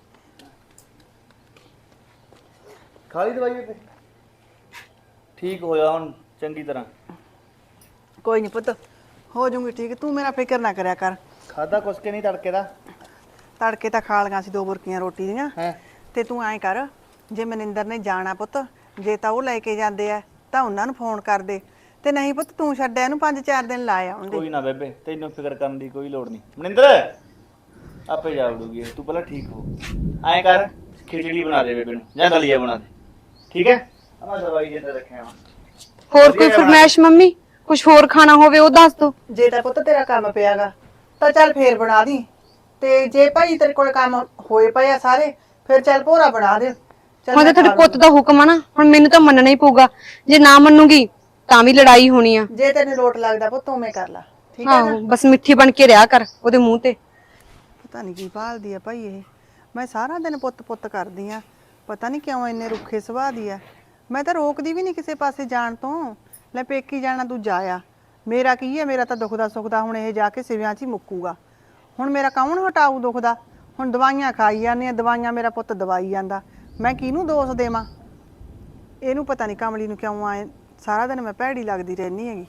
S2: ਖਾ ਲਈ ਦਵਾਈ ਬੇਬੇ? ਠੀਕ ਹੋਇਆ ਹੁਣ ਚੰਗੀ ਤਰ੍ਹਾਂ?
S3: ਕੋਈ ਨਹੀਂ ਪੁੱਤ, ਹੋ ਜਾਊਂਗੀ ਠੀਕ, ਤੂੰ ਮੇਰਾ ਫਿਕਰ ਨਾ ਕਰਿਆ ਕਰ।
S2: ਖਾਦਾ ਕੁਛ ਕੇ ਨਹੀਂ ਤੜਕੇ ਦਾ?
S3: ਤੜਕੇ ਤਾਂ ਖਾ ਲਈਆਂ ਸੀ 2 ਬੁਰਕੀਆਂ ਰੋਟੀ ਦੀਆਂ। ਤੇ ਤੂੰ ਐਂ ਕਰ, ਜੇ ਮਨਿੰਦਰ ਨੇ ਜਾਣਾ ਪੁੱਤ, ਜੇ ਤਾਂ ਉਹ ਲੈ ਕੇ ਜਾਂਦੇ ਆ ਤਾਂ ਉਹਨਾਂ ਨੂੰ ਫੋਨ ਕਰ ਦੇ, ਤੇ ਨਹੀਂ ਪੁੱਤ ਤੂੰ ਛੱਡਿਆ ਇਹਨੂੰ 5-4 ਦਿਨ ਲਾ ਆਉਂਦੇ।
S2: ਕੋਈ ਨਾ ਬੇਬੇ, ਤੈਨੂੰ ਫਿਕਰ ਕਰਨ ਦੀ ਕੋਈ ਲੋੜ ਨਹੀਂ। ਮਨਿੰਦਰ ਆਪੇ ਜਾ ਵੜੂਗੀ, ਤੂੰ ਪਹਿਲਾਂ ਠੀਕ ਹੋ। ਐਂ ਕਰ, ਖਿਚੜੀ ਬਣਾ ਦੇ ਬੇਬੇ ਨੂੰ ਜਾਂ ਦਲੀਆ ਬਣਾ ਦੇ, ਠੀਕ ਹੈ? ਮੈਂ ਦਵਾਈ ਜਿੰਦਾ ਰੱਖਿਆ ਵਾ।
S1: ਹੋਰ ਕੋਈ ਫਰਮਾਇਸ਼ ਮੰਮੀ? ਕੁਝ ਹੋਰ ਖਾਣਾ ਹੋਵੇ ਉਹ ਦੱਸ ਦੋ।
S3: ਜੇ ਤਾਂ ਪੁੱਤ ਤੇਰਾ ਕੰਮ ਪਿਆਗਾ ਤਾਂ ਚੱਲ ਫੇਰ ਬਣਾ ਦੀ, ਤੇ ਜੇ ਭਾਈ ਤੇਰੇ ਕੋਲ ਕੰਮ ਹੋਏ ਪਏ ਆ ਸਾਰੇ, ਫਿਰ ਚੱਲ ਭੋਰਾ ਬਣਾ ਦੇ।
S1: ਹੁਣ ਤਾਂ ਤੁਹਾਡੇ ਪੁੱਤ ਦਾ ਹੁਕਮ ਆ ਨਾ, ਹੁਣ ਮੈਨੂੰ ਤਾਂ ਮੰਨਣਾ ਹੀ ਪਊਗਾ। ਜੇ ਨਾ ਮੰਨੂਗੀ ਤਾਂ ਵੀ ਲੜਾਈ ਹੋਣੀ ਆ।
S3: ਜੇ ਤੈਨੂੰ ਲੋਟ ਲੱਗਦਾ ਪੁੱਤ ਉਵੇਂ ਕਰ ਲੈ, ਠੀਕ ਹੈ ਨਾ?
S1: ਬਸ ਮਿੱਠੀ ਬਣ ਕੇ ਰਿਹਾ ਕਰ ਉਹਦੇ ਮੂੰਹ ਤੇ।
S3: ਪਤਾ ਨਹੀਂ ਕੀ ਭਾਲਦੀ ਆ ਭਾਈ ਇਹ। ਮੈਂ ਸਾਰਾ ਦਿਨ ਪੁੱਤ ਪੁੱਤ ਕਰਦੀ ਆ, ਪਤਾ ਨਹੀਂ ਕਿਉਂ ਇੰਨੇ ਰੁੱਖੇ ਸੁਭਾਅ ਦੀ ਆ। ਮੈਂ ਤਾਂ ਰੋਕਦੀ ਵੀ ਨਹੀਂ ਕਿਸੇ ਪਾਸੇ ਜਾਣ ਤੋਂ। ਲੈ ਪੇਕੀ ਜਾਣਾ ਤੂੰ ਜਾਇਆ, ਮੇਰਾ ਕੀ ਹੈ? ਮੇਰਾ ਤਾਂ ਦੁਖਦਾ ਸੁਖਦਾ ਹੁਣ ਇਹ ਜਾ ਕੇ ਸਿਵਿਆਂ 'ਚ ਹੀ ਮੁੱਕੂਗਾ। ਹੁਣ ਮੇਰਾ ਕੌਣ ਹਟਾਊ ਦੁਖਦਾ? ਹੁਣ ਦਵਾਈਆਂ ਖਾਈ ਜਾਂਦੇ ਆ, ਦਵਾਈਆਂ ਮੇਰਾ ਪੁੱਤ ਦਵਾਈ ਜਾਂਦਾ, ਮੈਂ ਕਿਹਨੂੰ ਦੋਸ਼ ਦੇਵਾਂ? ਇਹਨੂੰ ਪਤਾ ਨਹੀਂ ਕਮਲੀ ਨੂੰ ਕਿਉਂ ਆਏ ਸਾਰਾ ਦਿਨ ਮੈਂ ਭੈੜੀ ਲੱਗਦੀ ਰਹਿੰਦੀ ਹੈਗੀ।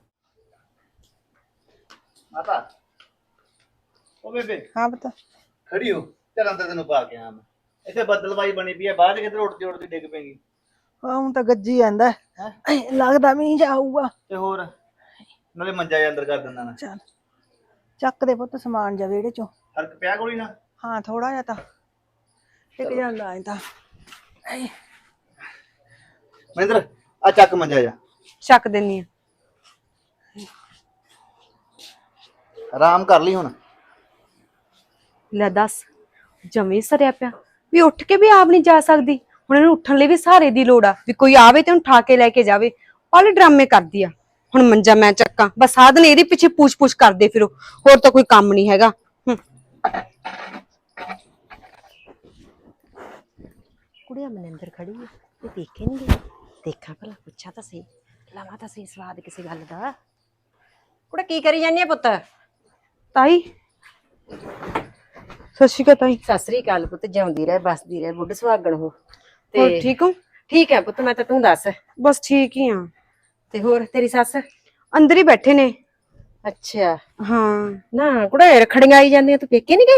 S2: ਮਾਤਾ ਉਹ ਬੇਬੇ
S3: ਹਾਂ ਪਤਾ
S2: ਖੜੀ ਹੋ, ਚੱਲ ਅੰਦਰ ਤੈਨੂੰ ਪਾ ਕੇ ਆ ਮੈਂ। ਇੱਥੇ ਬੱਦਲਵਾਈ ਬਣੀ ਪਈ ਹੈ, ਬਾਅਦ ਕਿਧਰ ਉੱਡਦੀ ਉੱਡਦੀ ਡਿੱਗ ਪੈਗੀ।
S3: ਹੁਣ ਤਾਂ ਗੱਜੀ ਜਾਂਦਾ, ਲੱਗਦਾ ਮੀਂਹ ਜਾਊਗਾ।
S2: ਤੇ ਹੋਰ ਨਾਲੇ ਮੰਜਾ ਜਿਹਾ ਅੰਦਰ ਕਰ ਦਿੰਦਾ ਮੈਂ।
S3: ਚੱਲ ਚੱਕ ਦੇ ਪੁੱਤ ਸਮਾਨ ਜਾ ਵਿਹੜੇ ਚੋਂ।
S2: ਫਰਕ ਪਿਆ ਕੋਈ ਨਾ?
S3: ਹਾਂ ਥੋੜਾ ਜਿਹਾ ਤਾਂ ਇੱਕ ਜਾਂਦਾ ਐ ਤਾਂ।
S2: ਮਹਿੰਦਰ ਆ ਚੱਕ ਮੰਜਾ ਜਾ,
S1: ਚੱਕ ਦਿੰਨੀ ਆ।
S2: ਆਰਾਮ ਕਰ ਲਈ ਹੁਣ।
S1: ਲੈ ਦੱਸ, ਜਮੇ ਸਰਿਆ ਪਿਆ ਵੀ ਉੱਠ ਕੇ ਵੀ ਆਪ ਨਹੀਂ ਜਾ ਸਕਦੀ। ਹੁਣ ਇਹਨੂੰ ਉੱਠਣ ਲਈ ਵੀ ਸਹਾਰੇ ਦੀ ਲੋੜ ਆ, ਵੀ ਕੋਈ ਆਵੇ ਤੇ ਉਹਨੂੰ ਠਾ ਕੇ ਲੈ ਕੇ ਜਾਵੇ। ਪਾਲੇ ਡਰਾਮੇ ਕਰਦੀ ਆ। ਹੁਣ ਮੰਜਾ ਮੈਂ ਚੱਕਾਂ, ਬਸ ਸਾਰਾ ਦਿਨ ਇਹਦੇ ਪਿੱਛੇ ਪੂਛ-ਪੂਛ ਕਰਦੇ ਫਿਰੋ, ਹੋਰ ਤਾਂ ਕੋਈ ਕੰਮ ਨਹੀਂ ਹੈਗਾ।
S4: ਕੁੜੀਆਂ ਮਨਿੰਦਰ ਖੜੀ ਹੈ, ਇਹ ਦੇਖੇ ਨਹੀਂ ਗਈ। ਦੇਖਾਂ ਭਲਾ, ਪੁੱਛਾਂ ਤਾਂ ਸਹੀ, ਲਵਾਂ ਤਾਂ ਸਹੀ ਸਵਾਦ ਕਿਸੇ ਗੱਲ ਦਾ। ਕੁੜੇ ਕੀ ਕਰੀ ਜਾਂਦੀ ਹੈ ਪੁੱਤ?
S1: ਤਾਈ ਸਤਿ ਸ਼੍ਰੀ ਅਕਾਲ ਤਾਈ।
S4: ਸਤਿ ਸ੍ਰੀ ਅਕਾਲ ਪੁੱਤ, ਜਿਉਂਦੀ ਰਹਿ ਬਸਦੀ ਰਹਿ, ਬੁੱਢ ਸੁਹਾਗਣ ਹੋ।
S1: ਹੋਰ ਠੀਕ ਹੋ?
S4: ਠੀਕ ਹੈ ਪੁੱਤ, ਮੈਂ ਤਾਂ ਤੂੰ ਦੱਸ।
S1: ਬਸ ਠੀਕ ਹੀ ਆ।
S4: ਤੇ ਹੋਰ ਤੇਰੀ ਸੱਸ?
S1: ਅੰਦਰ ਹੀ ਬੈਠੇ ਨੇ।
S4: ਅੱਛਾ,
S1: ਹਾਂ।
S4: ਨਾ ਕੁੜੇ ਰਖੜੀਆਂ ਆਈ ਜਾਂਦੀਆਂ, ਤੂੰ ਪੇਕੇ ਨਹੀਂ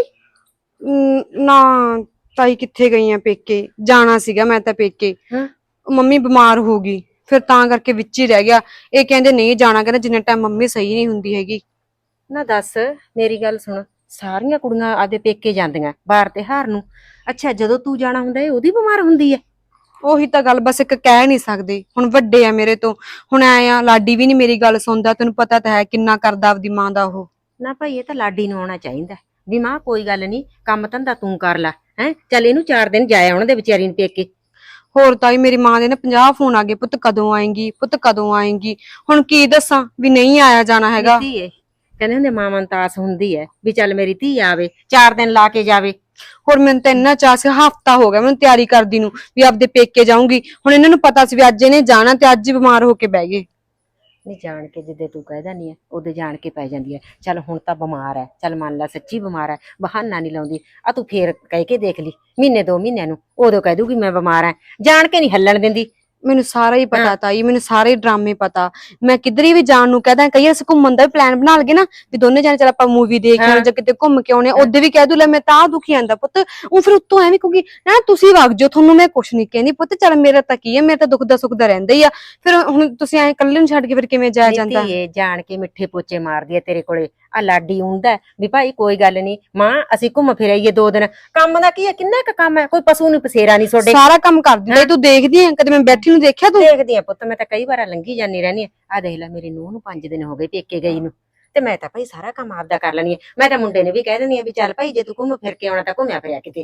S4: ਗਈ?
S1: ਨਾ ਤਾਈ ਕਿੱਥੇ ਗਈ ਆ ਪੇਕੇ, ਜਾਣਾ ਸੀਗਾ ਮੈਂ ਤਾਂ ਪੇਕੇ।
S4: ਹਾਂ।
S1: ਮੰਮੀ ਬਿਮਾਰ ਹੋ ਗਈ, ਫਿਰ ਤਾਂ ਕਰਕੇ ਵਿੱਚ ਹੀ ਰਹਿ ਗਿਆ। ਇਹ ਕਹਿੰਦੇ ਨਹੀਂ ਜਾਣਾ, ਕਹਿੰਦੇ ਜਿੰਨੇ ਟਾਈਮ ਮੰਮੀ ਸਹੀ ਨਹੀਂ ਹੁੰਦੀ ਹੈਗੀ।
S4: ਨਾ ਦੱਸ, ਮੇਰੀ ਗੱਲ ਸੁਣ, ਸਾਰੀਆਂ ਕੁੜੀਆਂ ਆਦੇ ਪੇਕੇ ਜਾਂਦੀਆਂ ਬਾਹਰ ਤਿਉਹਾਰ ਨੂੰ। ਅੱਛਾ, ਜਦੋਂ ਤੂੰ ਜਾਣਾ ਹੁੰਦਾ ਇਹ ਉਹਦੀ ਬਿਮਾਰ ਹੁੰਦੀ ਹੈ?
S1: ਉਹੀ ਤਾਂ ਗੱਲ, ਬਸ ਇੱਕ ਕਹਿ ਨਹੀਂ ਸਕਦੇ। ਹੁਣ ਵੱਡੇ ਆ ਮੇਰੇ ਤੋਂ, ਹੁਣ ਐ ਆ ਲਾਡੀ ਵੀ ਨਹੀਂ ਮੇਰੀ ਗੱਲ ਸੁਣਦਾ। ਤੈਨੂੰ ਪਤਾ ਤਾਂ ਹੈ ਕਿੰਨਾ ਕਰਦਾ ਆਪਦੀ ਮਾਂ ਦਾ ਉਹ।
S4: ਨਾ ਭਾਈ, ਇਹ ਤਾਂ ਲਾਡੀ ਨੂੰ ਆਉਣਾ ਚਾਹੀਦਾ ਵੀ ਮਾਂ ਕੋਈ ਗੱਲ ਨਹੀਂ, ਕੰਮ ਧੰਦਾ ਤੂੰ ਕਰ ਲੈ। ਹੈ ਚੱਲ, ਇਹਨੂੰ 4 ਦਿਨ ਜਾਇਆ ਉਹਨਾਂ ਦੇ ਵਿਚਾਰੀ ਨੂੰ ਪੇਕੇ।
S1: ਹੋਰ ਤਾਈ ਮੇਰੀ ਮਾਂ ਦੇ ਨਾ 50 ਫੋਨ ਆ ਗਏ, ਪੁੱਤ ਕਦੋਂ ਆਏਂਗੀ, ਪੁੱਤ ਕਦੋਂ ਆਏਂਗੀ। ਹੁਣ ਕੀ ਦੱਸਾਂ ਵੀ ਨਹੀਂ ਆਇਆ ਜਾਣਾ ਹੈਗਾ।
S4: ਧੀਏ, ਕਹਿੰਦੇ ਹੁੰਦੇ ਮਾਵਾਂ ਨੂੰ ਤਾਂ ਆਸ ਹੁੰਦੀ ਹੈ ਵੀ ਚੱਲ ਮੇਰੀ ਧੀ ਆਵੇ, 4 ਦਿਨ ਲਾ ਕੇ ਜਾਵੇ।
S1: ਹੋਰ ਮੈਨੂੰ ਤਾਂ ਇੰਨਾ ਚਾਅ ਸੀ, ਹਫਤਾ ਹੋ ਗਿਆ ਮੈਨੂੰ ਤਿਆਰੀ ਕਰਦੀ ਨੂੰ ਵੀ ਆਪਦੇ ਪੇਕੇ ਜਾਊਂਗੀ। ਹੁਣ ਇਹਨਾਂ ਨੂੰ ਪਤਾ ਸੀ ਵੀ ਅੱਜ ਇਹਨੇ ਜਾਣਾ, ਤੇ ਅੱਜ ਹੀ ਬਿਮਾਰ ਹੋ ਕੇ ਬਹਿ ਗਏ।
S4: ਨਹੀਂ, ਜਾਣ ਕੇ ਜਿੱਦੇ ਤੂੰ ਕਹਿਦਾ ਨਹੀਂ ਹੈ ਉਹਦੇ ਜਾਣ ਕੇ ਪੈ ਜਾਂਦੀ ਹੈ। ਚੱਲ ਹੁਣ ਤਾਂ ਬਿਮਾਰ ਹੈ, ਚੱਲ ਮੰਨ ਲੈ ਸੱਚੀ ਬਿਮਾਰ ਹੈ, ਬਹਾਨਾ ਨਹੀਂ ਲਾਉਂਦੀ। ਆ ਤੂੰ ਫੇਰ ਕਹਿ ਕੇ ਦੇਖ ਲਈ, ਮਹੀਨੇ 2 ਮਹੀਨਿਆਂ ਨੂੰ, ਉਦੋਂ ਕਹਿ ਦੂਗੀ ਮੈਂ ਬਿਮਾਰ ਹਾਂ। ਜਾਣ ਕੇ ਨਹੀਂ ਹੱਲਣ ਦਿੰਦੀ।
S1: ਮੈਨੂੰ ਸਾਰਾ ਹੀ ਪਤਾ ਤਾਈ, ਮੈਨੂੰ ਸਾਰੇ ਡਰਾਮੇ ਪਤਾ। ਮੈਂ ਕਿਧਰੇ ਵੀ ਜਾਣ ਨੂੰ ਕਹਦਾ, ਕਈ ਅਸੀਂ ਘੁੰਮਣ ਦਾ ਪਲਾਨ ਬਣਾ ਲਗੇ ਨਾ ਵੀ ਦੋਨੇ ਜਾਣੇ ਚੱਲ ਆਪਾਂ ਮੂਵੀ ਦੇਖ ਆਉਣੇ ਜਾਂ ਕਿਤੇ ਘੁੰਮ ਕੇ ਆਉਣੇ, ਉਹਦੇ ਵੀ ਕਹਿ ਦੂ ਲੈ ਮੈਂ ਤਾਂ ਦੁਖੀ ਆਂਦਾ ਪੁੱਤ। ਉਹ ਫਿਰ ਉੱਤੋਂ ਐਵੇਂ ਕਹੂਗੀ ਨਾ ਤੁਸੀਂ ਵਗ ਜਾਓ, ਤੁਹਾਨੂੰ ਮੈਂ ਕੁਛ ਨਹੀਂ ਕਹਿੰਦੀ। ਪੁੱਤ ਚੱਲ ਮੇਰਾ ਤਾਂ ਕੀ ਹੈ, ਮੇਰਾ ਤਾਂ ਦੁੱਖ ਦਾ ਸੁੱਖ ਦਾ ਰਹਿੰਦਾ ਹੀ ਆ। ਫਿਰ ਹੁਣ ਤੁਸੀਂ ਐਂ ਇਕੱਲੇ ਨੂੰ ਛੱਡ ਕੇ ਫਿਰ ਕਿਵੇਂ ਜਾਇਆ ਜਾਂਦਾ?
S4: ਧੀਏ, ਜਾਣ ਕੇ ਮਿੱਠੇ ਪੋਚੇ ਮਾਰਦੀ ਹੈ ਤੇਰੇ ਕੋਲੇ। ਆ ਲਾਡੀ ਹੁੰਦਾ ਵੀ ਭਾਈ ਕੋਈ ਗੱਲ ਨਹੀਂ ਮਾਂ, ਅਸੀਂ ਘੁੰਮ ਫਿਰ ਆਈਏ 2 ਦਿਨ। ਕੰਮ ਦਾ ਕੀ ਹੈ, ਕਿੰਨਾ ਕੁ ਕੰਮ ਹੈ, ਕੋਈ ਪਸ਼ੂ ਨੂੰ ਪਸੇਰਾ ਨਹੀਂ ਛੋਡੇ।
S1: ਸਾਰਾ ਕੰਮ ਕਰ ਦਿੰਦਾ ਤੂੰ, ਦੇਖਦੀ ਐ ਕਦੇ ਮੈਂ ਬੈਠੀ ਨੂੰ ਦੇਖਿਆ ਤੂੰ?
S4: ਦੇਖਦੀ ਆ ਪੁੱਤ, ਮੈਂ ਤਾਂ ਕਈ ਵਾਰ ਲੰਘੀ ਜਾਂਦੀ ਰਹਿੰਦੀ ਆ। ਆ ਦੇਖ ਲੈ, ਮੇਰੀ ਨੂੰਹ ਨੂੰ 5 ਦਿਨ ਹੋ ਗਏ ਪੇਕੇ ਗਈ ਨੂੰ, ਤੇ ਮੈਂ ਤਾਂ ਭਾਈ ਸਾਰਾ ਕੰਮ ਆਪਦਾ ਕਰ ਲੈਣੀ ਆ। ਮੈਂ ਤਾਂ ਮੁੰਡੇ ਨੇ ਵੀ ਕਹਿ ਦਿੰਦੀ ਆ ਵੀ ਚੱਲ ਭਾਈ ਜੇ ਤੂੰ ਘੁੰਮ ਫਿਰ ਕੇ ਆਉਣਾ ਤਾਂ ਘੁੰਮਿਆ ਫਿਰਿਆ ਕਿਤੇ।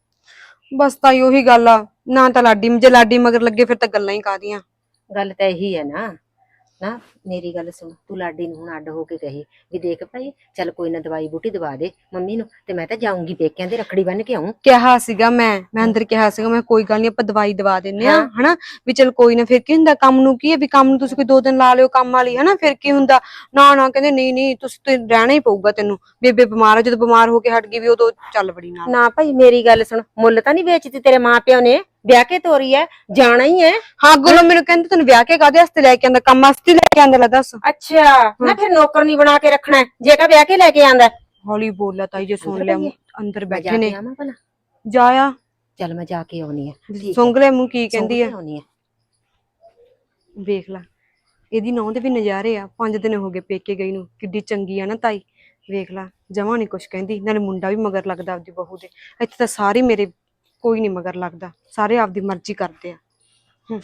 S1: ਬਸ ਤਾਈ ਉਹੀ ਗੱਲ ਆ, ਨਾ ਤਾਂ ਲਾਡੀ, ਜੇ ਲਾਡੀ ਮਗਰ ਲੱਗੇ ਫਿਰ ਤਾਂ ਗੱਲਾਂ ਹੀ ਕਾਹਦੀਆਂ।
S4: ਗੱਲ ਤਾਂ ਇਹੀ ਹੈ ਨਾ। ਨਾ ਮੇਰੀ ਗੱਲ ਸੁਣ, ਤੂੰ ਲਾਡੀ ਨੂੰ ਹੁਣ ਅੱਡ ਹੋ ਕੇ ਕਹੀ ਵੀ ਦੇਖ ਭਾਈ ਚੱਲ ਕੋਈ ਨਾ ਦਵਾਈ ਬੂਟੀ ਦਵਾ ਦੇ ਮੰਮੀ ਨੂੰ, ਤੇ ਮੈਂ ਤਾਂ ਜਾਊਂਗੀ ਪੇਕਿਆਂ ਦੇ, ਰੱਖੜੀ ਬੰਨ ਕੇ ਆਉਂ।
S1: ਕਿਹਾ ਸੀਗਾ ਮੈਂ ਅੰਦਰ ਕਿਹਾ ਸੀਗਾ, ਮੈਂ ਕੋਈ ਗੱਲ ਨਹੀਂ ਆਪਾਂ ਦਵਾਈ ਦਵਾ ਦਿੰਨੇ ਆ ਹਨਾ, ਵੀ ਚਲ ਕੋਈ ਨਾ, ਫਿਰ ਕੀ ਹੁੰਦਾ, ਕੰਮ ਨੂੰ ਕੀ ਹੈ ਵੀ ਕੰਮ ਨੂੰ ਤੁਸੀਂ ਕੋਈ 2 ਦਿਨ ਲਾ ਲਿਓ ਕੰਮ ਵਾਲੀ ਹਨਾ, ਫਿਰ ਕੀ ਹੁੰਦਾ। ਨਾ ਨਾ ਕਹਿੰਦੇ ਨਹੀਂ ਨਹੀਂ ਤੁਸੀਂ ਤੇ ਰਹਿਣਾ ਹੀ ਪਊਗਾ ਤੈਨੂੰ, ਬੇਬੇ ਬਿਮਾਰ ਆ, ਜਦੋਂ ਬਿਮਾਰ ਹੋ ਕੇ ਹਟ ਗਈ ਵੀ ਉਦੋਂ ਚੱਲ ਬੜੀ ਨਾਲ।
S4: ਨਾ ਭਾਈ ਮੇਰੀ ਗੱਲ ਸੁਣ, ਮੁੱਲ ਤਾਂ ਨਹੀਂ ਵੇਚਦੀ ਤੇਰੇ ਮਾਪਿਓ ਨੇ, ਵਿਆਹ ਕੇ ਤੋਰੀ ਐ, ਜਾਣਾ ਹੀ ਐ।
S1: ਹਾਂ ਗੁਰੂ ਮੈਨੂੰ ਕਹਿੰਦੇ ਤੈਨੂੰ ਵਿਆਹ ਕੇ ਕਾਹਦੇ ਵਾਸਤੇ ਲੈ ਕੇ ਆਂਦਾ, ਕੰਮ ਵਾਸਤੇ ਲੈ ਕੇ ਆਂਦਾ? ਲੈ ਦੱਸ।
S4: ਅੱਛਾ, ਨਾ ਫਿਰ ਨੌਕਰ ਨਹੀਂ ਬਣਾ ਕੇ ਰੱਖਣਾ ਜੇ ਕਾ ਵਿਆਹ ਕੇ ਲੈ ਕੇ ਆਂਦਾ।
S1: ਹੌਲੀ ਬੋਲਾ ਤਾਈ, ਜੇ ਸੁਣ ਲਿਆ ਅੰਦਰ ਬੈਠੇ ਨੇ।
S4: ਭਲਾ
S1: ਜਾਇਆ
S4: ਚੱਲ ਮੈਂ ਜਾ ਕੇ ਆਉਣੀ ਆ।
S1: ਸੁੰਘ ਲੈ ਮੂੰਹ ਕੀ ਕਹਿੰਦੀ ਆ,
S4: ਆਉਣੀ ਆ।
S1: ਵੇਖ ਲੈ ਇਹਦੀ ਨੌਂ ਦੇ ਵੀ ਨਜ਼ਾਰੇ ਆ। 5 ਦਿਨ ਹੋ ਗਏ ਪੇਕੇ ਗਈ ਨੂੰ, ਕਿੱਡੀ ਚੰਗੀ ਆ ਨਾ ਤਾਈ। ਵੇਖ ਲੈ ਜਮਾਂ ਨੀ ਕੁਛ ਕਹਿੰਦੀ, ਨਾਲੇ ਮੁੰਡਾ ਵੀ ਮਗਰ ਲੱਗਦਾ ਆਪਦੀ ਬਹੂ ਦੇ। ਇੱਥੇ ਤਾਂ ਸਾਰੇ ਮੇਰੇ ਕੋਈ ਨੀ ਮਗਰ ਲੱਗਦਾ, ਸਾਰੇ ਆਪਦੀ ਮਰਜ਼ੀ ਕਰਦੇ ਆ।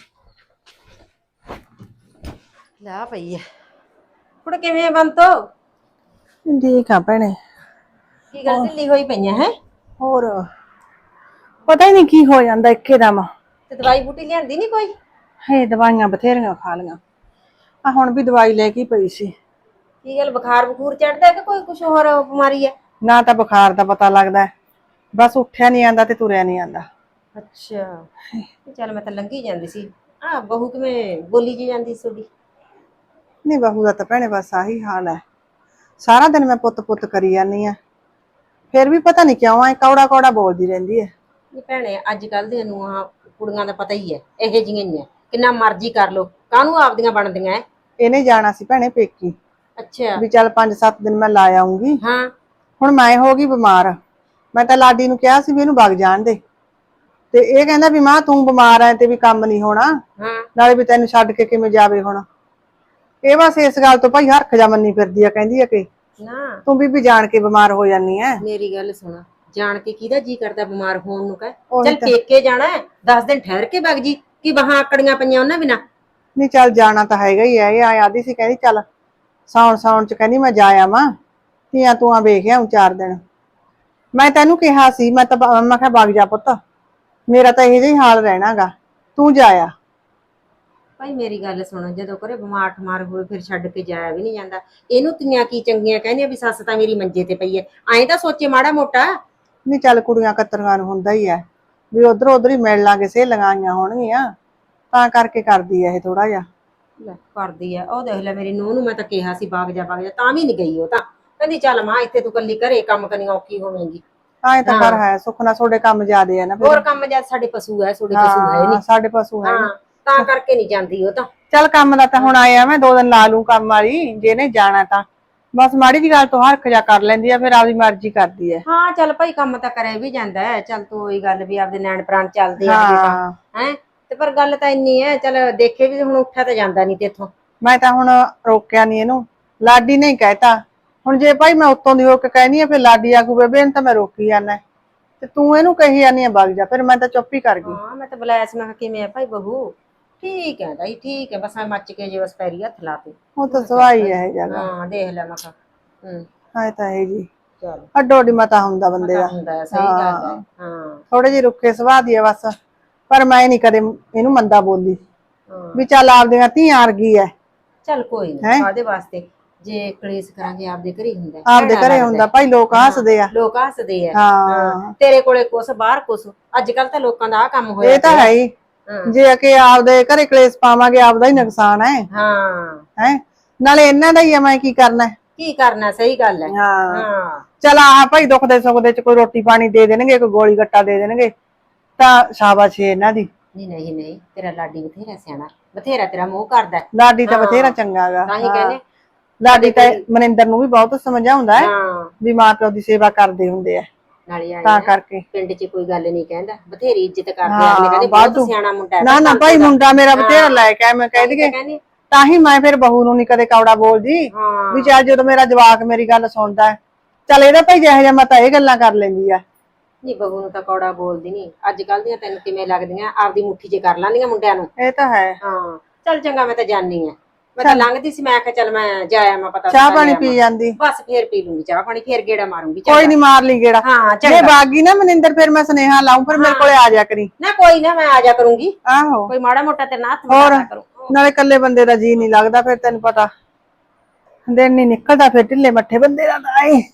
S4: ਲਾ ਪਈ ਐ ਕੁੜ, ਕਿਵੇਂ ਬੰਤੋ?
S3: ਠੀਕ ਆ ਭੈਣੇ।
S4: ਕੀ ਗੱਲ ਢਿੱਲੀ ਹੋਈ ਪਈਆਂ ਹੈ?
S3: ਹੋਰ ਪਤਾ ਹੀ ਨਹੀਂ ਕੀ ਹੋ ਜਾਂਦਾ ਇੱਕੇ ਦਮ।
S4: ਤੇ ਦਵਾਈ ਬੂਟੀ ਲਿਆਂਦੀ ਨਹੀਂ ਕੋਈ?
S3: ਹੇ ਦਵਾਈਆਂ ਬਥੇਰੀਆਂ ਖਾ ਲੀਆਂ, ਆ ਹੁਣ ਵੀ ਦਵਾਈ ਲੈ ਕੇ ਪਈ ਸੀ।
S4: ਕੀ ਗੱਲ, ਬੁਖਾਰ ਬਖੂਰ ਚੜਦਾ ਕਿ ਕੋਈ ਕੁਛ ਹੋਰ ਬਿਮਾਰੀ ਹੈ?
S3: ਨਾ ਤਾਂ ਬੁਖਾਰ ਦਾ ਪਤਾ ਲੱਗਦਾ, ਬਸ ਉੱਠਿਆ ਨਹੀਂ ਆਂਦਾ ਤੇ ਤੁਰਿਆ ਨਹੀਂ ਆਂਦਾ।
S4: ਅੱਛਾ, ਚੱਲ ਮੈਂ ਤਾਂ ਲੰਘੀ ਜਾਂਦੀ ਸੀ। ਆ ਬਹੂ ਕਿਵੇਂ ਬੋਲੀ ਜੀ ਜਾਂਦੀ ਤੁਹਾਡੀ?
S3: ਨਹੀਂ ਬਹੂ ਦਾ ਤਾਂ ਭੈਣੇ ਬਸ ਆਹੀ ਹਾਲ ਹੈ, ਸਾਰਾ ਦਿਨ ਮੈਂ ਪੁੱਤ ਪੁੱਤ ਕਰੀ ਜਾਂਦੀ ਆ, ਫਿਰ ਵੀ ਪਤਾ ਨਹੀਂ ਕਿਉਂ ਐ ਕੌੜਾ ਕੌੜਾ ਬੋਲਦੀ ਰਹਿੰਦੀ ਹੈ।
S4: ਨਹੀਂ ਭੈਣੇ, ਅੱਜ ਕੱਲ ਦੀਆਂ ਨੂੰਹਾਂ ਕੁੜੀਆਂ ਦਾ ਪਤਾ ਹੀ ਹੈ, ਇਹੋ ਜਿਹੀਆਂ ਹੀ ਹੈ, ਕਿੰਨਾ ਮਰਜ਼ੀ ਕਰ ਲੋ, ਕਾਹਨੂੰ ਆਪਦੀਆਂ ਬਣਦੀਆਂ ਐ।
S3: ਇਹਨੇ ਜਾਣਾ ਸੀ ਭੈਣੇ ਪੇਕੀ,
S4: ਅੱਛਾ
S3: ਵੀ ਚੱਲ 5-7 ਦਿਨ ਮੈਂ ਲਾ ਆਉਂਗੀ।
S4: ਹਾਂ,
S3: ਹੁਣ ਮੈਂ ਹੋ ਗਈ ਬਿਮਾਰ, ਮੈਂ ਤਾਂ ਲਾਡੀ ਨੂੰ ਕਿਹਾ ਸੀ ਵੀ ਇਹਨੂੰ ਵਗ ਜਾਣ ਦੇ, ਤੇ ਇਹ ਕਹਿੰਦਾ ਵੀ ਮਾਂ ਤੂੰ ਬਿਮਾਰ ਐ ਤੇ ਵੀ ਕੰਮ ਨਹੀਂ ਹੋਣਾ,
S4: ਹਾਂ
S3: ਨਾਲੇ ਵੀ ਤੈਨੂੰ ਛੱਡ ਕੇ ਕਿਵੇਂ ਜਾਵੇ ਹੁਣ। ਇਹ ਬਸ ਇਸ ਗੱਲ ਤੋਂ ਭਾਈ ਹਰਖ ਜਾ ਮੰਨੀ ਫਿਰਦੀ ਆ, ਕਹਿੰਦੀ ਆ ਕਿ
S4: ਨਾ
S3: ਤੂੰ ਵੀ ਜਾਣ ਕੇ ਬਿਮਾਰ ਹੋ ਜਾਨੀ ਐ।
S4: ਮੇਰੀ ਗੱਲ ਸੁਣ, ਜਾਣ ਕੇ ਕਿਹਦਾ ਜੀ ਕਰਦਾ ਬਿਮਾਰ ਹੋਣ ਨੂੰ? ਕਹਿ
S3: ਉਹੀ
S4: ਚੱਲ ਪੇਕੇ ਜਾਣਾ 10 ਦਿਨ ਠਹਿਰ ਕੇ ਵਗ ਜੀ, ਕੀ ਬਾਹਾਂ ਆਕੜੀਆਂ ਪਈਆਂ ਉਹਨਾਂ ਬਿਨਾ?
S3: ਨਹੀਂ ਚੱਲ ਜਾਣਾ ਤਾਂ ਹੈਗਾ ਹੀ ਐ, ਇਹ ਆਦੀ ਸੀ ਕਹਿੰਦੀ ਚੱਲ ਸਾਉਣ ਚ ਕਹਿੰਦੀ ਮੈਂ ਜਾ ਆਵਾਂ, ਧੀਆਂ ਤੂੰ ਵੇਖ ਆਉਂ 4 ਦਿਨ। ਮੈਂ ਤੈਨੂੰ ਕਿਹਾ ਸੀ, ਮੈਂ ਕਿਹਾ ਵਗ ਜਾ ਪੁੱਤ, ਮੇਰਾ ਤਾਂ ਇਹੋ ਜਿਹਾ ਹੀ ਹਾਲ ਰਹਿਣਾਗਾ, ਤੂੰ ਜਾਇਆ।
S4: ਭਾਈ ਮੇਰੀ ਗੱਲ ਸੁਣ, ਜਦੋਂ ਘਰੇ ਬਿਮਾਰ ਠਮਾਰ ਹੋਵੇ ਫਿਰ ਛੱਡ ਕੇ ਜਾਇਆ ਵੀ ਨਹੀਂ ਜਾਂਦਾ। ਇਹਨੂੰ ਤੀਆਂ ਕੀ ਚੰਗੀਆਂ ਕਹਿੰਦੀਆਂ ਵੀ ਸੱਸ ਤਾਂ ਮੇਰੀ ਮੰਜੇ ਤੇ ਪਈ ਐ, ਐਂ ਤਾਂ ਸੋਚੇ ਮਾੜਾ ਮੋਟਾ।
S3: ਨਹੀਂ ਚੱਲ ਕੁੜੀਆਂ ਕਤਰੀਆਂ ਨੂੰ ਹੁੰਦਾ ਹੀ ਐ ਵੀ ਉਧਰ ਉਧਰ ਹੀ ਮਿਲ ਲਾਂਗੇ, ਸਹੇਲੀਆਂ ਆਈਆਂ ਹੋਣਗੀਆਂ ਤਾਂ ਕਰਕੇ ਕਰਦੀ ਐ ਇਹ ਥੋੜਾ ਜਿਹਾ।
S4: ਲੈ ਕਰਦੀ ਐ, ਉਹ ਦੇਖ ਲੈ ਮੇਰੀ ਨੂੰਹ ਨੂੰ ਮੈਂ ਤਾਂ ਕਿਹਾ ਸੀ ਵਗ ਜਾ ਤਾਂ ਵੀ ਨਹੀਂ ਗਈ। ਉਹ ਤਾਂ ਕਹਿੰਦੀ ਚੱਲ ਮਾਂ ਇੱਥੇ ਤੂੰ ਕੱਲੀ ਘਰੇ ਕੰਮ ਕਰਨੀ ਔਖੀ ਹੋਵੇਂਗੀ।
S3: ਐਂ ਤਾਂ ਕਰ ਹੈ, ਸੁੱਖ ਨਾਲ ਤੁਹਾਡੇ ਕੰਮ ਜ਼ਿਆਦੇ ਆ ਨਾ ਫਿਰ।
S4: ਹੋਰ ਕੰਮ ਜਦ ਸਾਡੇ ਪਸ਼ੂ ਹੈ, ਤੁਹਾਡੇ ਪਸ਼ੂ ਹੈ ਨਹੀਂ।
S3: ਸਾਡੇ ਪਸ਼ੂ ਹੈ ਨੀ।
S4: ਤਾਂ ਕਰਕੇ ਨਹੀਂ ਜਾਂਦੀ ਉਹ ਤਾਂ।
S3: ਚੱਲ ਕੰਮ ਦਾ ਤਾਂ ਹੁਣ ਆਇਆ, ਮੈਂ 2 ਦਿਨ ਲਾ ਲੂੰ ਕੰਮ ਵਾਲੀ, ਜੇ ਨੇ ਜਾਣਾ ਤਾਂ ਬਸ ਮਾੜੀ ਜੀ ਗੱਲ ਤੋਂ ਹਰਖ ਜਾ ਕਰ ਲੈਂਦੀ ਆ, ਫਿਰ ਆਪਦੀ ਮਰਜ਼ੀ ਕਰਦੀ ਐ।
S4: ਹਾਂ ਚੱਲ ਭਾਈ ਕੰਮ ਤਾਂ ਕਰਿਆ ਵੀ ਜਾਂਦਾ ਹੈ। ਚੱਲ ਤੂੰ ਉਹੀ ਗੱਲ ਵੀ ਆਪਦੇ ਨੈਣ ਪ੍ਰਾਣ ਚੱਲਦੇ ਆ ਹੈ ਤੇ ਪਰ ਗੱਲ ਤਾਂ ਇੰਨੀ ਹੈ, ਚੱਲ ਦੇਖੇ ਵੀ ਹੁਣ ਉੱਠਿਆ ਤਾਂ ਜਾਂਦਾ ਨਹੀਂ ਤੇਥੋਂ।
S3: ਮੈਂ ਤਾਂ ਹੁਣ ਰੋਕਿਆ ਨਹੀਂ ਇਹਨੂੰ, ਲਾਡੀ ਨੇ ਹੀ ਕਹਿਤਾ। ਹੁਣ ਜੇ ਭਾਈ ਮੈਂ ਉੱਤੋਂ ਦੀ ਹੋ ਕੇ ਕਹਿਨੀ ਆ ਫਿਰ ਲਾਡੀ ਆਖੂ ਬੇਬੇ ਇਹਨੂੰ ਤਾਂ ਮੈਂ ਰੋਕੀ ਜਾਂਦਾ, ਤੇ ਤੂੰ ਇਹਨੂੰ ਕਹੀ ਜਾਨੀ ਆ ਵਗ ਜਾ, ਫਿਰ ਮੈਂ ਤਾਂ ਚੁੱਪ ਹੀ ਕਰ ਗਈ।
S4: ਹਾਂ ਮੈਂ ਤਾਂ ਬੁਲਾਇਆ ਸੀ, ਮੈਂ ਕਿਹਾ ਕਿਵੇਂ ਆ ਭਾਈ ਬਹੂ? ਠੀਕ ਹੈ ਤਾਈ ਠੀਕ ਹੈ, ਬਸ ਮੈਂ ਮੱਚ ਕੇ ਜੇ ਬਸ ਪੈਰੀ ਹੱਥ ਲਾ ਤੇ।
S3: ਉਹ ਤਾਂ ਸਵਾਈ ਹੈ ਜਗਾ।
S4: ਹਾਂ ਦੇਖ ਲੈ ਮੈਂ ਕਿਹਾ
S3: ਹਾਂ ਤਾਂ ਹੈ ਜੀ,
S4: ਚਲ
S3: ਅੱਡੋ ਅੱਡੀ ਮਤਾ ਹੁੰਦਾ ਬੰਦੇ ਦਾ।
S4: ਹੁੰਦਾ ਹੈ, ਸਹੀ ਗੱਲ ਹੈ। ਹਾਂ
S3: ਥੋੜੇ ਜਿਹੇ ਰੁੱਖੇ ਸੁਭਾਅ ਦੀ ਹੈ ਬਸ, ਪਰ ਮੈਂ ਨਹੀਂ ਕਦੇ ਇਹਨੂੰ ਮੰਦਾ ਬੋਲੀ ਵੀ ਚੱਲ ਆਪਦੀਆਂ ਧੀਆਂ ਵਰਗੀ ਹੈ।
S4: ਚੱਲ ਕੋਈ ਨਹੀਂ, ਕਾਹਦੇ ਵਾਸਤੇ ਜੇ ਕਲੇਸ਼ ਕਰਾਂਗੇ, ਆਪਦੇ ਘਰੇ ਹੀ ਹੁੰਦਾ।
S3: ਆਪਦੇ ਘਰੇ ਹੁੰਦਾ ਭਾਈ, ਲੋਕ ਹੱਸਦੇ ਆ।
S4: ਲੋਕ ਹੱਸਦੇ ਆ।
S3: ਹਾਂ
S4: ਤੇਰੇ ਕੋਲੇ ਕੁਛ ਬਾਹਰ ਕੁਛ, ਅੱਜ ਕੱਲ ਤਾਂ ਲੋਕਾਂ ਦਾ ਆ ਕੰਮ ਹੋਇਆ।
S3: ਇਹ ਤਾਂ ਹੈ ਹੀ, ਜੇ ਕਿ ਆਪਦੇ ਘਰੇ ਕਲੇਸ਼ ਪਾਵਾਂਗੇ ਆਪਦਾ ਹੀ ਨੁਕਸਾਨ ਹੈ।
S4: ਹਾਂ
S3: ਹੈ ਨਾਲੇ ਇਹਨਾਂ ਦਾ ਹੀ ਆ, ਮੈਂ ਕੀ ਕਰਨਾ
S4: ਕੀ ਕਰਨਾ, ਸਹੀ ਗੱਲ ਹੈ।
S3: ਹਾਂ ਚਲ ਆਹ ਭਾਈ ਦੁੱਖ ਦੇ ਸੁੱਖ ਦੇ ਚ ਕੋਈ ਰੋਟੀ ਪਾਣੀ ਦੇ ਦੇਣਗੇ, ਕੋਈ ਗੋਲੀ ਗੱਟਾ ਦੇ ਦੇਣਗੇ ਤਾਂ ਸ਼ਾਬਾਸ਼ ਇਹਨਾਂ ਦੀ।
S4: ਨਹੀਂ ਨਹੀਂ ਤੇਰਾ ਲਾਡੀ ਬਥੇਰਾ ਸਿਆਣਾ, ਬਥੇਰਾ ਤੇਰਾ ਮੋਹ ਕਰਦਾ।
S3: ਲਾਡੀ ਤਾਂ ਬਥੇਰਾ ਚੰਗਾ ਗਾ।
S4: ਤਾਂ ਹੀ ਕਹਿੰਦੇ
S3: ਲਾਡੀ ਤਾਂ ਮਨਿੰਦਰ ਨੂੰ ਵੀ ਬਹੁਤ ਸਮਝਾਉਂਦਾ ਹੈ ਵੀ ਮਾਂ ਪਿਓ ਦੀ ਸੇਵਾ ਕਰਦੇ ਹੁੰਦੇ ਆ,
S4: ਨਾਲੇ
S3: ਤਾਂ ਕਰਕੇ
S4: ਪਿੰਡ 'ਚ ਕੋਈ ਗੱਲ ਨਹੀਂ ਕਹਿੰਦਾ, ਬਥੇਰੀ ਇੱਜ਼ਤ ਕਰਦੇ ਆ। ਕਹਿੰਦੇ ਬਹੁਤ ਸਿਆਣਾ ਮੁੰਡਾ ਹੈ।
S3: ਨਾ ਭਾਈ ਮੁੰਡਾ ਮੇਰਾ ਬਥੇਰਾ ਲੈ ਕੇ ਮੈਂ ਕਹਿ ਦਈਏ, ਤਾਂ ਹੀ ਮੈਂ ਫਿਰ ਬਹੂ ਨੂੰ ਨੀ ਕਦੇ ਕੌੜਾ ਬੋਲਦੀ ਵੀ ਚੱਲ ਜਦੋਂ ਮੇਰਾ ਜਵਾਕ ਮੇਰੀ ਗੱਲ ਸੁਣਦਾ ਚੱਲ ਇਹਦਾ ਭਾਈ ਜਿਹੋ ਜਿਹਾ ਮੈਂ ਤਾਂ ਇਹ ਗੱਲਾਂ ਕਰ ਲੈਂਦੀ ਆ।
S4: ਨਹੀਂ ਬਹੂ ਨੂੰ ਤਾਂ ਕੌੜਾ ਬੋਲਦੀ ਨਹੀਂ। ਅੱਜ ਕੱਲ ਦੀਆਂ ਤੈਨੂੰ ਕਿਵੇਂ ਲੱਗਦੀਆਂ, ਆਪਦੀ ਮੁੱਠੀ 'ਚ ਕਰ ਲੈਂਦੀਆਂ ਮੁੰਡਿਆਂ ਨੂੰ।
S3: ਇਹ ਤਾਂ ਹੈ।
S4: ਹਾਂ ਚੱਲ ਚੰਗਾ, ਮੈਂ ਤਾਂ ਜਾਣੀ ਆ। ਮੈਂ ਤਾਂ ਲੰਘਦੀ ਸੀ, ਮੈਂ ਕਿਹਾ ਚੱਲ ਮੈਂ ਜਾਇਆ, ਮੈਂ ਪਤਾ
S3: ਚਾਹ ਪਾਣੀ ਪੀ ਜਾਂਦੀ,
S4: ਬਸ ਫੇਰ ਪੀ ਲੂੰਗੀ ਚਾਹ ਪਾਣੀ, ਫੇਰ ਗੇੜਾ ਮਾਰੂੰਗੀ।
S3: ਕੋਈ ਨੀ ਮਾਰ ਲਈ ਗੇੜਾ।
S4: ਹਾਂ
S3: ਜੇ ਬਾਗੀ ਨਾ ਮਨਿੰਦਰ ਫਿਰ ਮੈਂ ਸੁਨੇਹਾ ਲਾਉਂ, ਫਿਰ ਮੇਰੇ ਕੋਲੇ ਆ ਜਾ ਕਰੀ।
S4: ਨਾ ਕੋਈ ਨਾ, ਮੈਂ ਆ ਜਾ ਕਰੂੰਗੀ।
S3: ਆਹੋ
S4: ਕੋਈ ਮਾੜਾ ਮੋਟਾ ਤੇ ਨਾ ਹੱਥ
S3: ਹੋਰ
S4: ਮਾਰਿਆ ਕਰੂੰ।
S3: ਨਾਲੇ ਇਕੱਲੇ ਬੰਦੇ ਦਾ ਜੀ ਨਹੀਂ ਲੱਗਦਾ, ਫਿਰ ਤੈਨੂੰ ਪਤਾ ਦਿਨ ਨਹੀਂ ਨਿਕਲਦਾ, ਫਿਰ ਢਿੱਲੇ ਮੱਠੇ ਬੰਦੇ ਦਾ ਤਾਂ ਏ।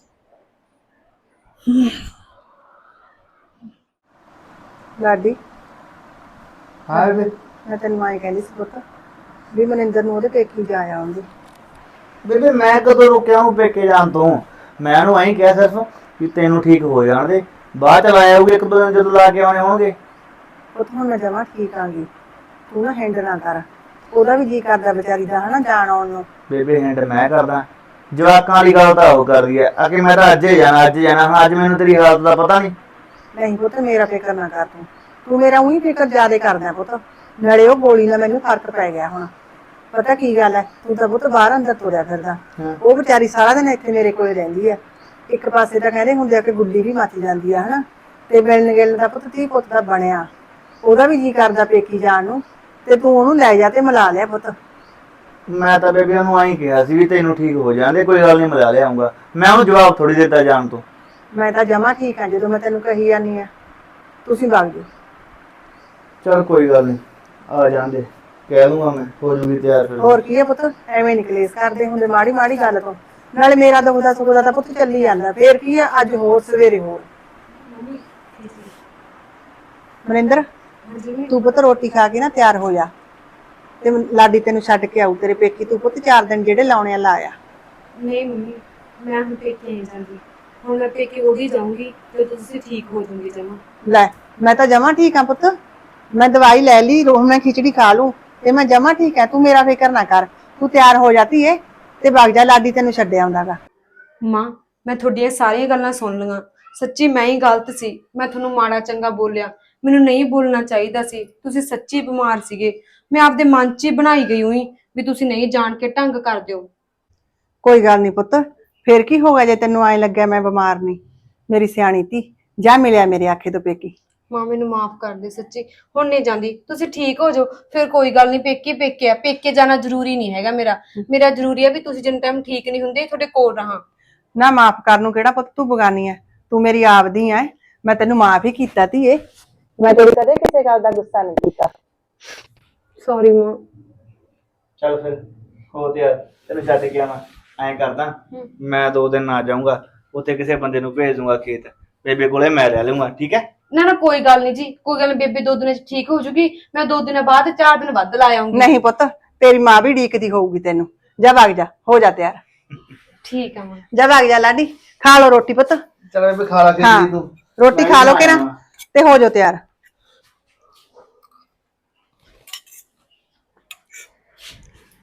S3: ਲਾਡੀ
S2: ਹਾਂ ਬੇਬੇ।
S3: ਮੈਂ ਤੈਨੂੰ ਆਏ ਕਹਿੰਦੀ ਸੀ ਪੁੱਤ ਵੀ ਮਨਿੰਦਰ ਨੂੰ ਉਹਦੇ ਪੇਕੀ ਜਾ ਆਉਂਦੀ।
S2: ਬੇਬੇ ਮੈਂ ਕਦੋਂ ਰੁਕਿਆ ਹੂੰ ਪੇਕੇ ਜਾਣ ਤੋਂ? ਮੈਂ ਉਹਨੂੰ ਐਂ ਕਿਹਾ ਸਿਰਫ ਵੀ ਤੈਨੂੰ ਠੀਕ ਹੋ ਜਾਣ ਦੇ, ਬਾਅਦ ਚ ਲਾਇਆ ਹੋਊਗਾ 1-2 ਦਿਨ ਜਦੋਂ ਲਾ ਕੇ ਆਉਣੇ ਹੋਣਗੇ।
S3: ਪੁੱਤ ਹੁਣ ਮੈਂ ਜਮਾਂ ਠੀਕ ਆਂਗੀ, ਤੂੰ ਨਾ ਹੈਂਡ ਨਾ ਕਰ, ਉਹਦਾ ਵੀ ਜੀ ਕਰਦਾ ਵਿਚਾਰੀ ਦਾ ਹਨਾ ਜਾਣ ਆਉਣ ਨੂੰ।
S2: ਬੇਬੇ ਹੈਂਡ ਮੈਂ ਕਰਦਾ, ਜਵਾਕਾਂ ਵਾਲੀ ਗੱਲ ਤਾਂ ਉਹ ਕਰਦੀ ਐ ਆ ਕਿ ਮੈਂ ਤਾਂ ਅੱਜ ਜਾਣਾ ਹੁਣ ਅੱਜ ਮੈਨੂੰ ਤੇਰੀ ਹਾਲਤ ਦਾ ਪਤਾ ਨਹੀਂ।
S3: ਨਹੀਂ ਪੁੱਤ ਮੇਰਾ ਫਿਕਰ ਨਾ ਕਰ, ਤੂੰ ਮੇਰਾ ਉਹੀ ਫਿਕਰ ਜ਼ਿਆਦਾ ਕਰਦਾ ਪੁੱਤ। ਨਾਲੇ ਉਹ ਗੋਲੀ ਨਾਲ ਮੈਨੂੰ ਫਰਕ ਪੈ ਗਿਆ ਹੁਣ। ਪਤਾ ਕੀ ਗੱਲ ਹੈ, ਤੂੰ ਤਾਂ ਪੁੱਤ ਬਾਹਰ ਅੰਦਰ ਤੁਰਿਆ ਫਿਰਦਾ, ਉਹ ਵਿਚਾਰੀ ਸਾਰਾ ਦਿਨ ਇੱਥੇ ਮੇਰੇ ਕੋਲ ਰਹਿੰਦੀ ਆ। ਇੱਕ ਪਾਸੇ ਤਾਂ ਕਹਿੰਦੇ ਹੁੰਦੇ ਆ ਕਿ ਗੁੱਲੀ ਵੀ ਮੱਚ ਜਾਂਦੀ ਆ ਹਨਾ, ਤੇ ਮਿਲਣ ਗਿਲਣ ਦਾ ਪੁੱਤ ਧੀ ਪੁੱਤ ਦਾ ਬਣਿਆ, ਉਹਦਾ ਵੀ ਜੀ ਕਰਦਾ ਪੇਕੀ ਜਾਣ ਨੂੰ, ਤੇ ਤੂੰ ਉਹਨੂੰ ਲੈ ਜਾ ਤੇ ਮਿਲਾ ਲਿਆ ਪੁੱਤ।
S2: ਮੈਂ ਤਾਂ ਬੇਬੇ ਉਹਨੂੰ ਆਈ ਕਿਹਾ ਸੀ ਵੀ ਤੈਨੂੰ ਠੀਕ ਹੋ ਜਾਂਦੇ, ਕੋਈ ਗੱਲ ਨਹੀਂ ਮਿਲਾ ਲਿਆਉਂਗਾ। ਮੈਂ ਉਹਨੂੰ ਜਵਾਬ ਥੋੜੀ ਦਿੱਤਾ ਜਾਣ ਤੋਂ।
S3: ਮੈਂ ਤਾਂ ਜਮਾ ਠੀਕ ਆ, ਜਦੋਂ ਮੈਂ ਤੈਨੂੰ ਕਹੀ ਜਾਂਦੀ ਆ ਤੁਸੀਂ ਵਗ ਜਾਓ।
S2: ਚਲ ਕੋਈ ਗੱਲ ਨਹੀਂ, ਆ ਜਾਂਦੇ, ਕਹਿ ਦੂੰਗਾ ਮੈਂ, ਹੋ ਜੂਗੀ ਤਿਆਰ ਫਿਰ।
S3: ਹੋਰ ਕੀ ਹੈ ਪੁੱਤ, ਐਵੇਂ ਨੀ ਕਲੇਸ਼ ਕਰਦੇ ਹੁੰਦੇ ਮਾੜੀ ਮਾੜੀ ਗੱਲ ਤੋਂ। ਨਾਲੇ ਮੇਰਾ ਦੁਖਦਾ ਸੁਖਦਾ ਤਾਂ ਪੁੱਤ ਚੱਲੀ ਜਾਂਦਾ, ਫੇਰ ਕੀ ਆ, ਅੱਜ ਹੋਰ ਸਵੇਰੇ ਹੋਰ। ਮਨਿੰਦਰ ਤੂੰ ਪੁੱਤ ਰੋਟੀ ਖਾ ਕੇ ਨਾ ਤਿਆਰ ਹੋ ਜਾ, ਤੇ ਲਾਡੀ ਤੈਨੂੰ ਛੱਡ ਕੇ ਆਊ ਤੇਰੇ ਪੇਕੀ। ਤੂੰ ਪੁੱਤ 4 ਦਿਨ ਜਿਹੜੇ ਲਾਉਣੇ ਆ ਲਾ ਆ।
S1: ਨਹੀਂ ਮੰਮੀ, ਮੈਂ ਹੁਣ ਪੇਕੇ ਨਹੀਂ ਜਾਂਦੀ, ਹੁਣ ਮੈਂ ਪੇਕੇ ਉਹਦੀ ਜਾਊਂਗੀ ਜਦੋਂ ਤੁਸੀਂ ਠੀਕ ਹੋ ਜਾਓਗੇ ਜਮਾ।
S3: ਲੈ ਮੈਂ ਤਾਂ ਜਮਾ ਠੀਕ ਆ ਪੁੱਤ, ਮੈਂ ਦਵਾਈ ਲੈ ਲਈ, ਰੋਹ ਮੈਂ ਖਿਚੜੀ ਖਾ ਲੂ ਤੇ ਮੈਂ ਜਮਾ ਠੀਕ ਆ। ਤੂੰ ਮੇਰਾ ਫਿਕਰ ਨਾ ਕਰ, ਤੂੰ ਤਿਆਰ ਹੋ ਜਾਤੀ ਏ ਤੇ ਵਗ ਜਾ, ਲਾਡੀ ਤੈਨੂੰ ਛੱਡ ਆਉਂਦਾਗਾ।
S1: ਮਾਂ ਮੈਂ ਤੁਹਾਡੀਆਂ ਸਾਰੀਆਂ ਗੱਲਾਂ ਸੁਣ ਲਈਆਂ, ਸੱਚੀ ਮੈਂ ਹੀ ਗਲਤ ਸੀ, ਮੈਂ ਤੁਹਾਨੂੰ ਮਾੜਾ ਚੰਗਾ ਬੋਲਿਆ, ਮੈਨੂੰ ਨਹੀਂ ਬੋਲਣਾ ਚਾਹੀਦਾ ਸੀ। ਤੁਸੀਂ ਸੱਚੀ ਬਿਮਾਰ ਸੀਗੇ, ਮੈਂ ਆਪਦੇ ਮਨ 'ਚ ਹੀ ਬਣਾਈ ਗਈ ਹੋਈ ਵੀ ਤੁਸੀਂ ਨਹੀਂ ਜਾਣ ਕੇ ਢੰਗ ਕਰ ਦਿਓ।
S3: ਕੋਈ ਗੱਲ ਨਹੀਂ ਪੁੱਤ, ਫੇਰ ਕੀ ਹੋ ਗਿਆ ਜੇ ਤੈਨੂੰ ਐ ਲੱਗਿਆ ਮੈਂ ਬਿਮਾਰ ਨਹੀਂ। ਮੇਰੀ ਸਿਆਣੀ ਧੀ ਜਾ ਮਿਲਿਆ ਮੇਰੇ ਆਖੇ ਤੋਂ ਪੇਕੀ।
S1: ਮਾਂ ਮੈਨੂੰ ਮਾਫ ਕਰ ਦੇ, ਸੱਚੀ ਹੁਣ ਨਹੀਂ ਜਾਂਦੀ, ਤੁਸੀਂ ਠੀਕ ਹੋ ਜਾਓ ਫਿਰ ਕੋਈ ਗੱਲ ਨਹੀਂ। ਪੇਕੇ ਪੇਕੇ ਆ, ਪੇਕੇ ਜਾਣਾ ਜ਼ਰੂਰੀ ਨਹੀਂ ਹੈਗਾ ਮੇਰਾ ਜ਼ਰੂਰੀ ਹੈ ਵੀ ਤੁਸੀਂ ਜਿੰਨ ਟਾਈਮ ਠੀਕ ਨਹੀਂ ਹੁੰਦੇ ਤੁਹਾਡੇ ਕੋਲ ਰਹਾਂ।
S3: ਨਾ ਮਾਫ ਕਰਨ ਨੂੰ ਕਿਹੜਾ ਪੁੱਤ ਤੂੰ ਬਗਾਨੀ ਐ, ਤੂੰ ਮੇਰੀ ਆਪਦੀ ਐ, ਮੈਂ ਤੈਨੂੰ ਮਾਫ ਹੀ ਕੀਤਾ ਧੀਏ। ਮੈਂ ਤੇਰੀ ਕਦੇ ਕਿਸੇ ਗੱਲ ਦਾ ਗੁੱਸਾ ਨਹੀਂ ਕੀਤਾ।
S1: ਸੌਰੀ ਮਾਂ।
S2: ਚੱਲ ਫਿਰ ਹੋ ਤੇ ਯਾਰ ਤੈਨੂੰ ਛੱਡ ਕੇ ਆਵਾਂ, ਐਂ ਕਰਦਾ ਮੈਂ 2 ਦਿਨ ਆ ਜਾਊਂਗਾ, ਉੱਥੇ ਕਿਸੇ ਬੰਦੇ ਨੂੰ ਭੇਜ ਦੂੰਗਾ ਖੇਤ, ਬੇਬੇ ਕੋਲੇ ਮੈਂ ਰਹਿ ਲੂੰਗਾ, ਠੀਕ ਹੈ?
S1: ਨਾ ਨਾ ਕੋਈ ਗੱਲ ਨਹੀਂ ਜੀ, ਕੋਈ ਗੱਲ ਨੀ, ਬੇਬੇ 2 ਦਿਨਾਂ ਚ ਠੀਕ ਹੋ ਜੂਗੀ। ਮੈਂ 2 ਦਿਨਾਂ ਬਾਅਦ 4 ਦਿਨ ਵੱਧ ਲਾ ਆਉਂਗੀ।
S3: ਨਹੀਂ ਪੁੱਤ, ਤੇਰੀ ਮਾਂ ਵੀ ਢੀਕਦੀ ਹੋਊਗੀ ਤੈਨੂੰ। ਜਾ ਵਗ ਜਾ, ਹੋ ਜਾ ਤਿਆਰ।
S1: ਠੀਕ ਆ ਮਾਂ।
S3: ਜਾ ਵਗ ਜਾ ਲਾਡੀ, ਖਾ ਲੋ ਰੋਟੀ ਪੁੱਤ।
S2: ਚਲ ਬੇਬੇ ਖਾ ਲਾ
S3: ਹਾਂ,
S2: ਕੇ ਤੂੰ
S3: ਰੋਟੀ ਖਾ ਲੋ ਕੇ ਨਾ ਤੇ ਹੋ ਜਾ ਤਿਆਰ।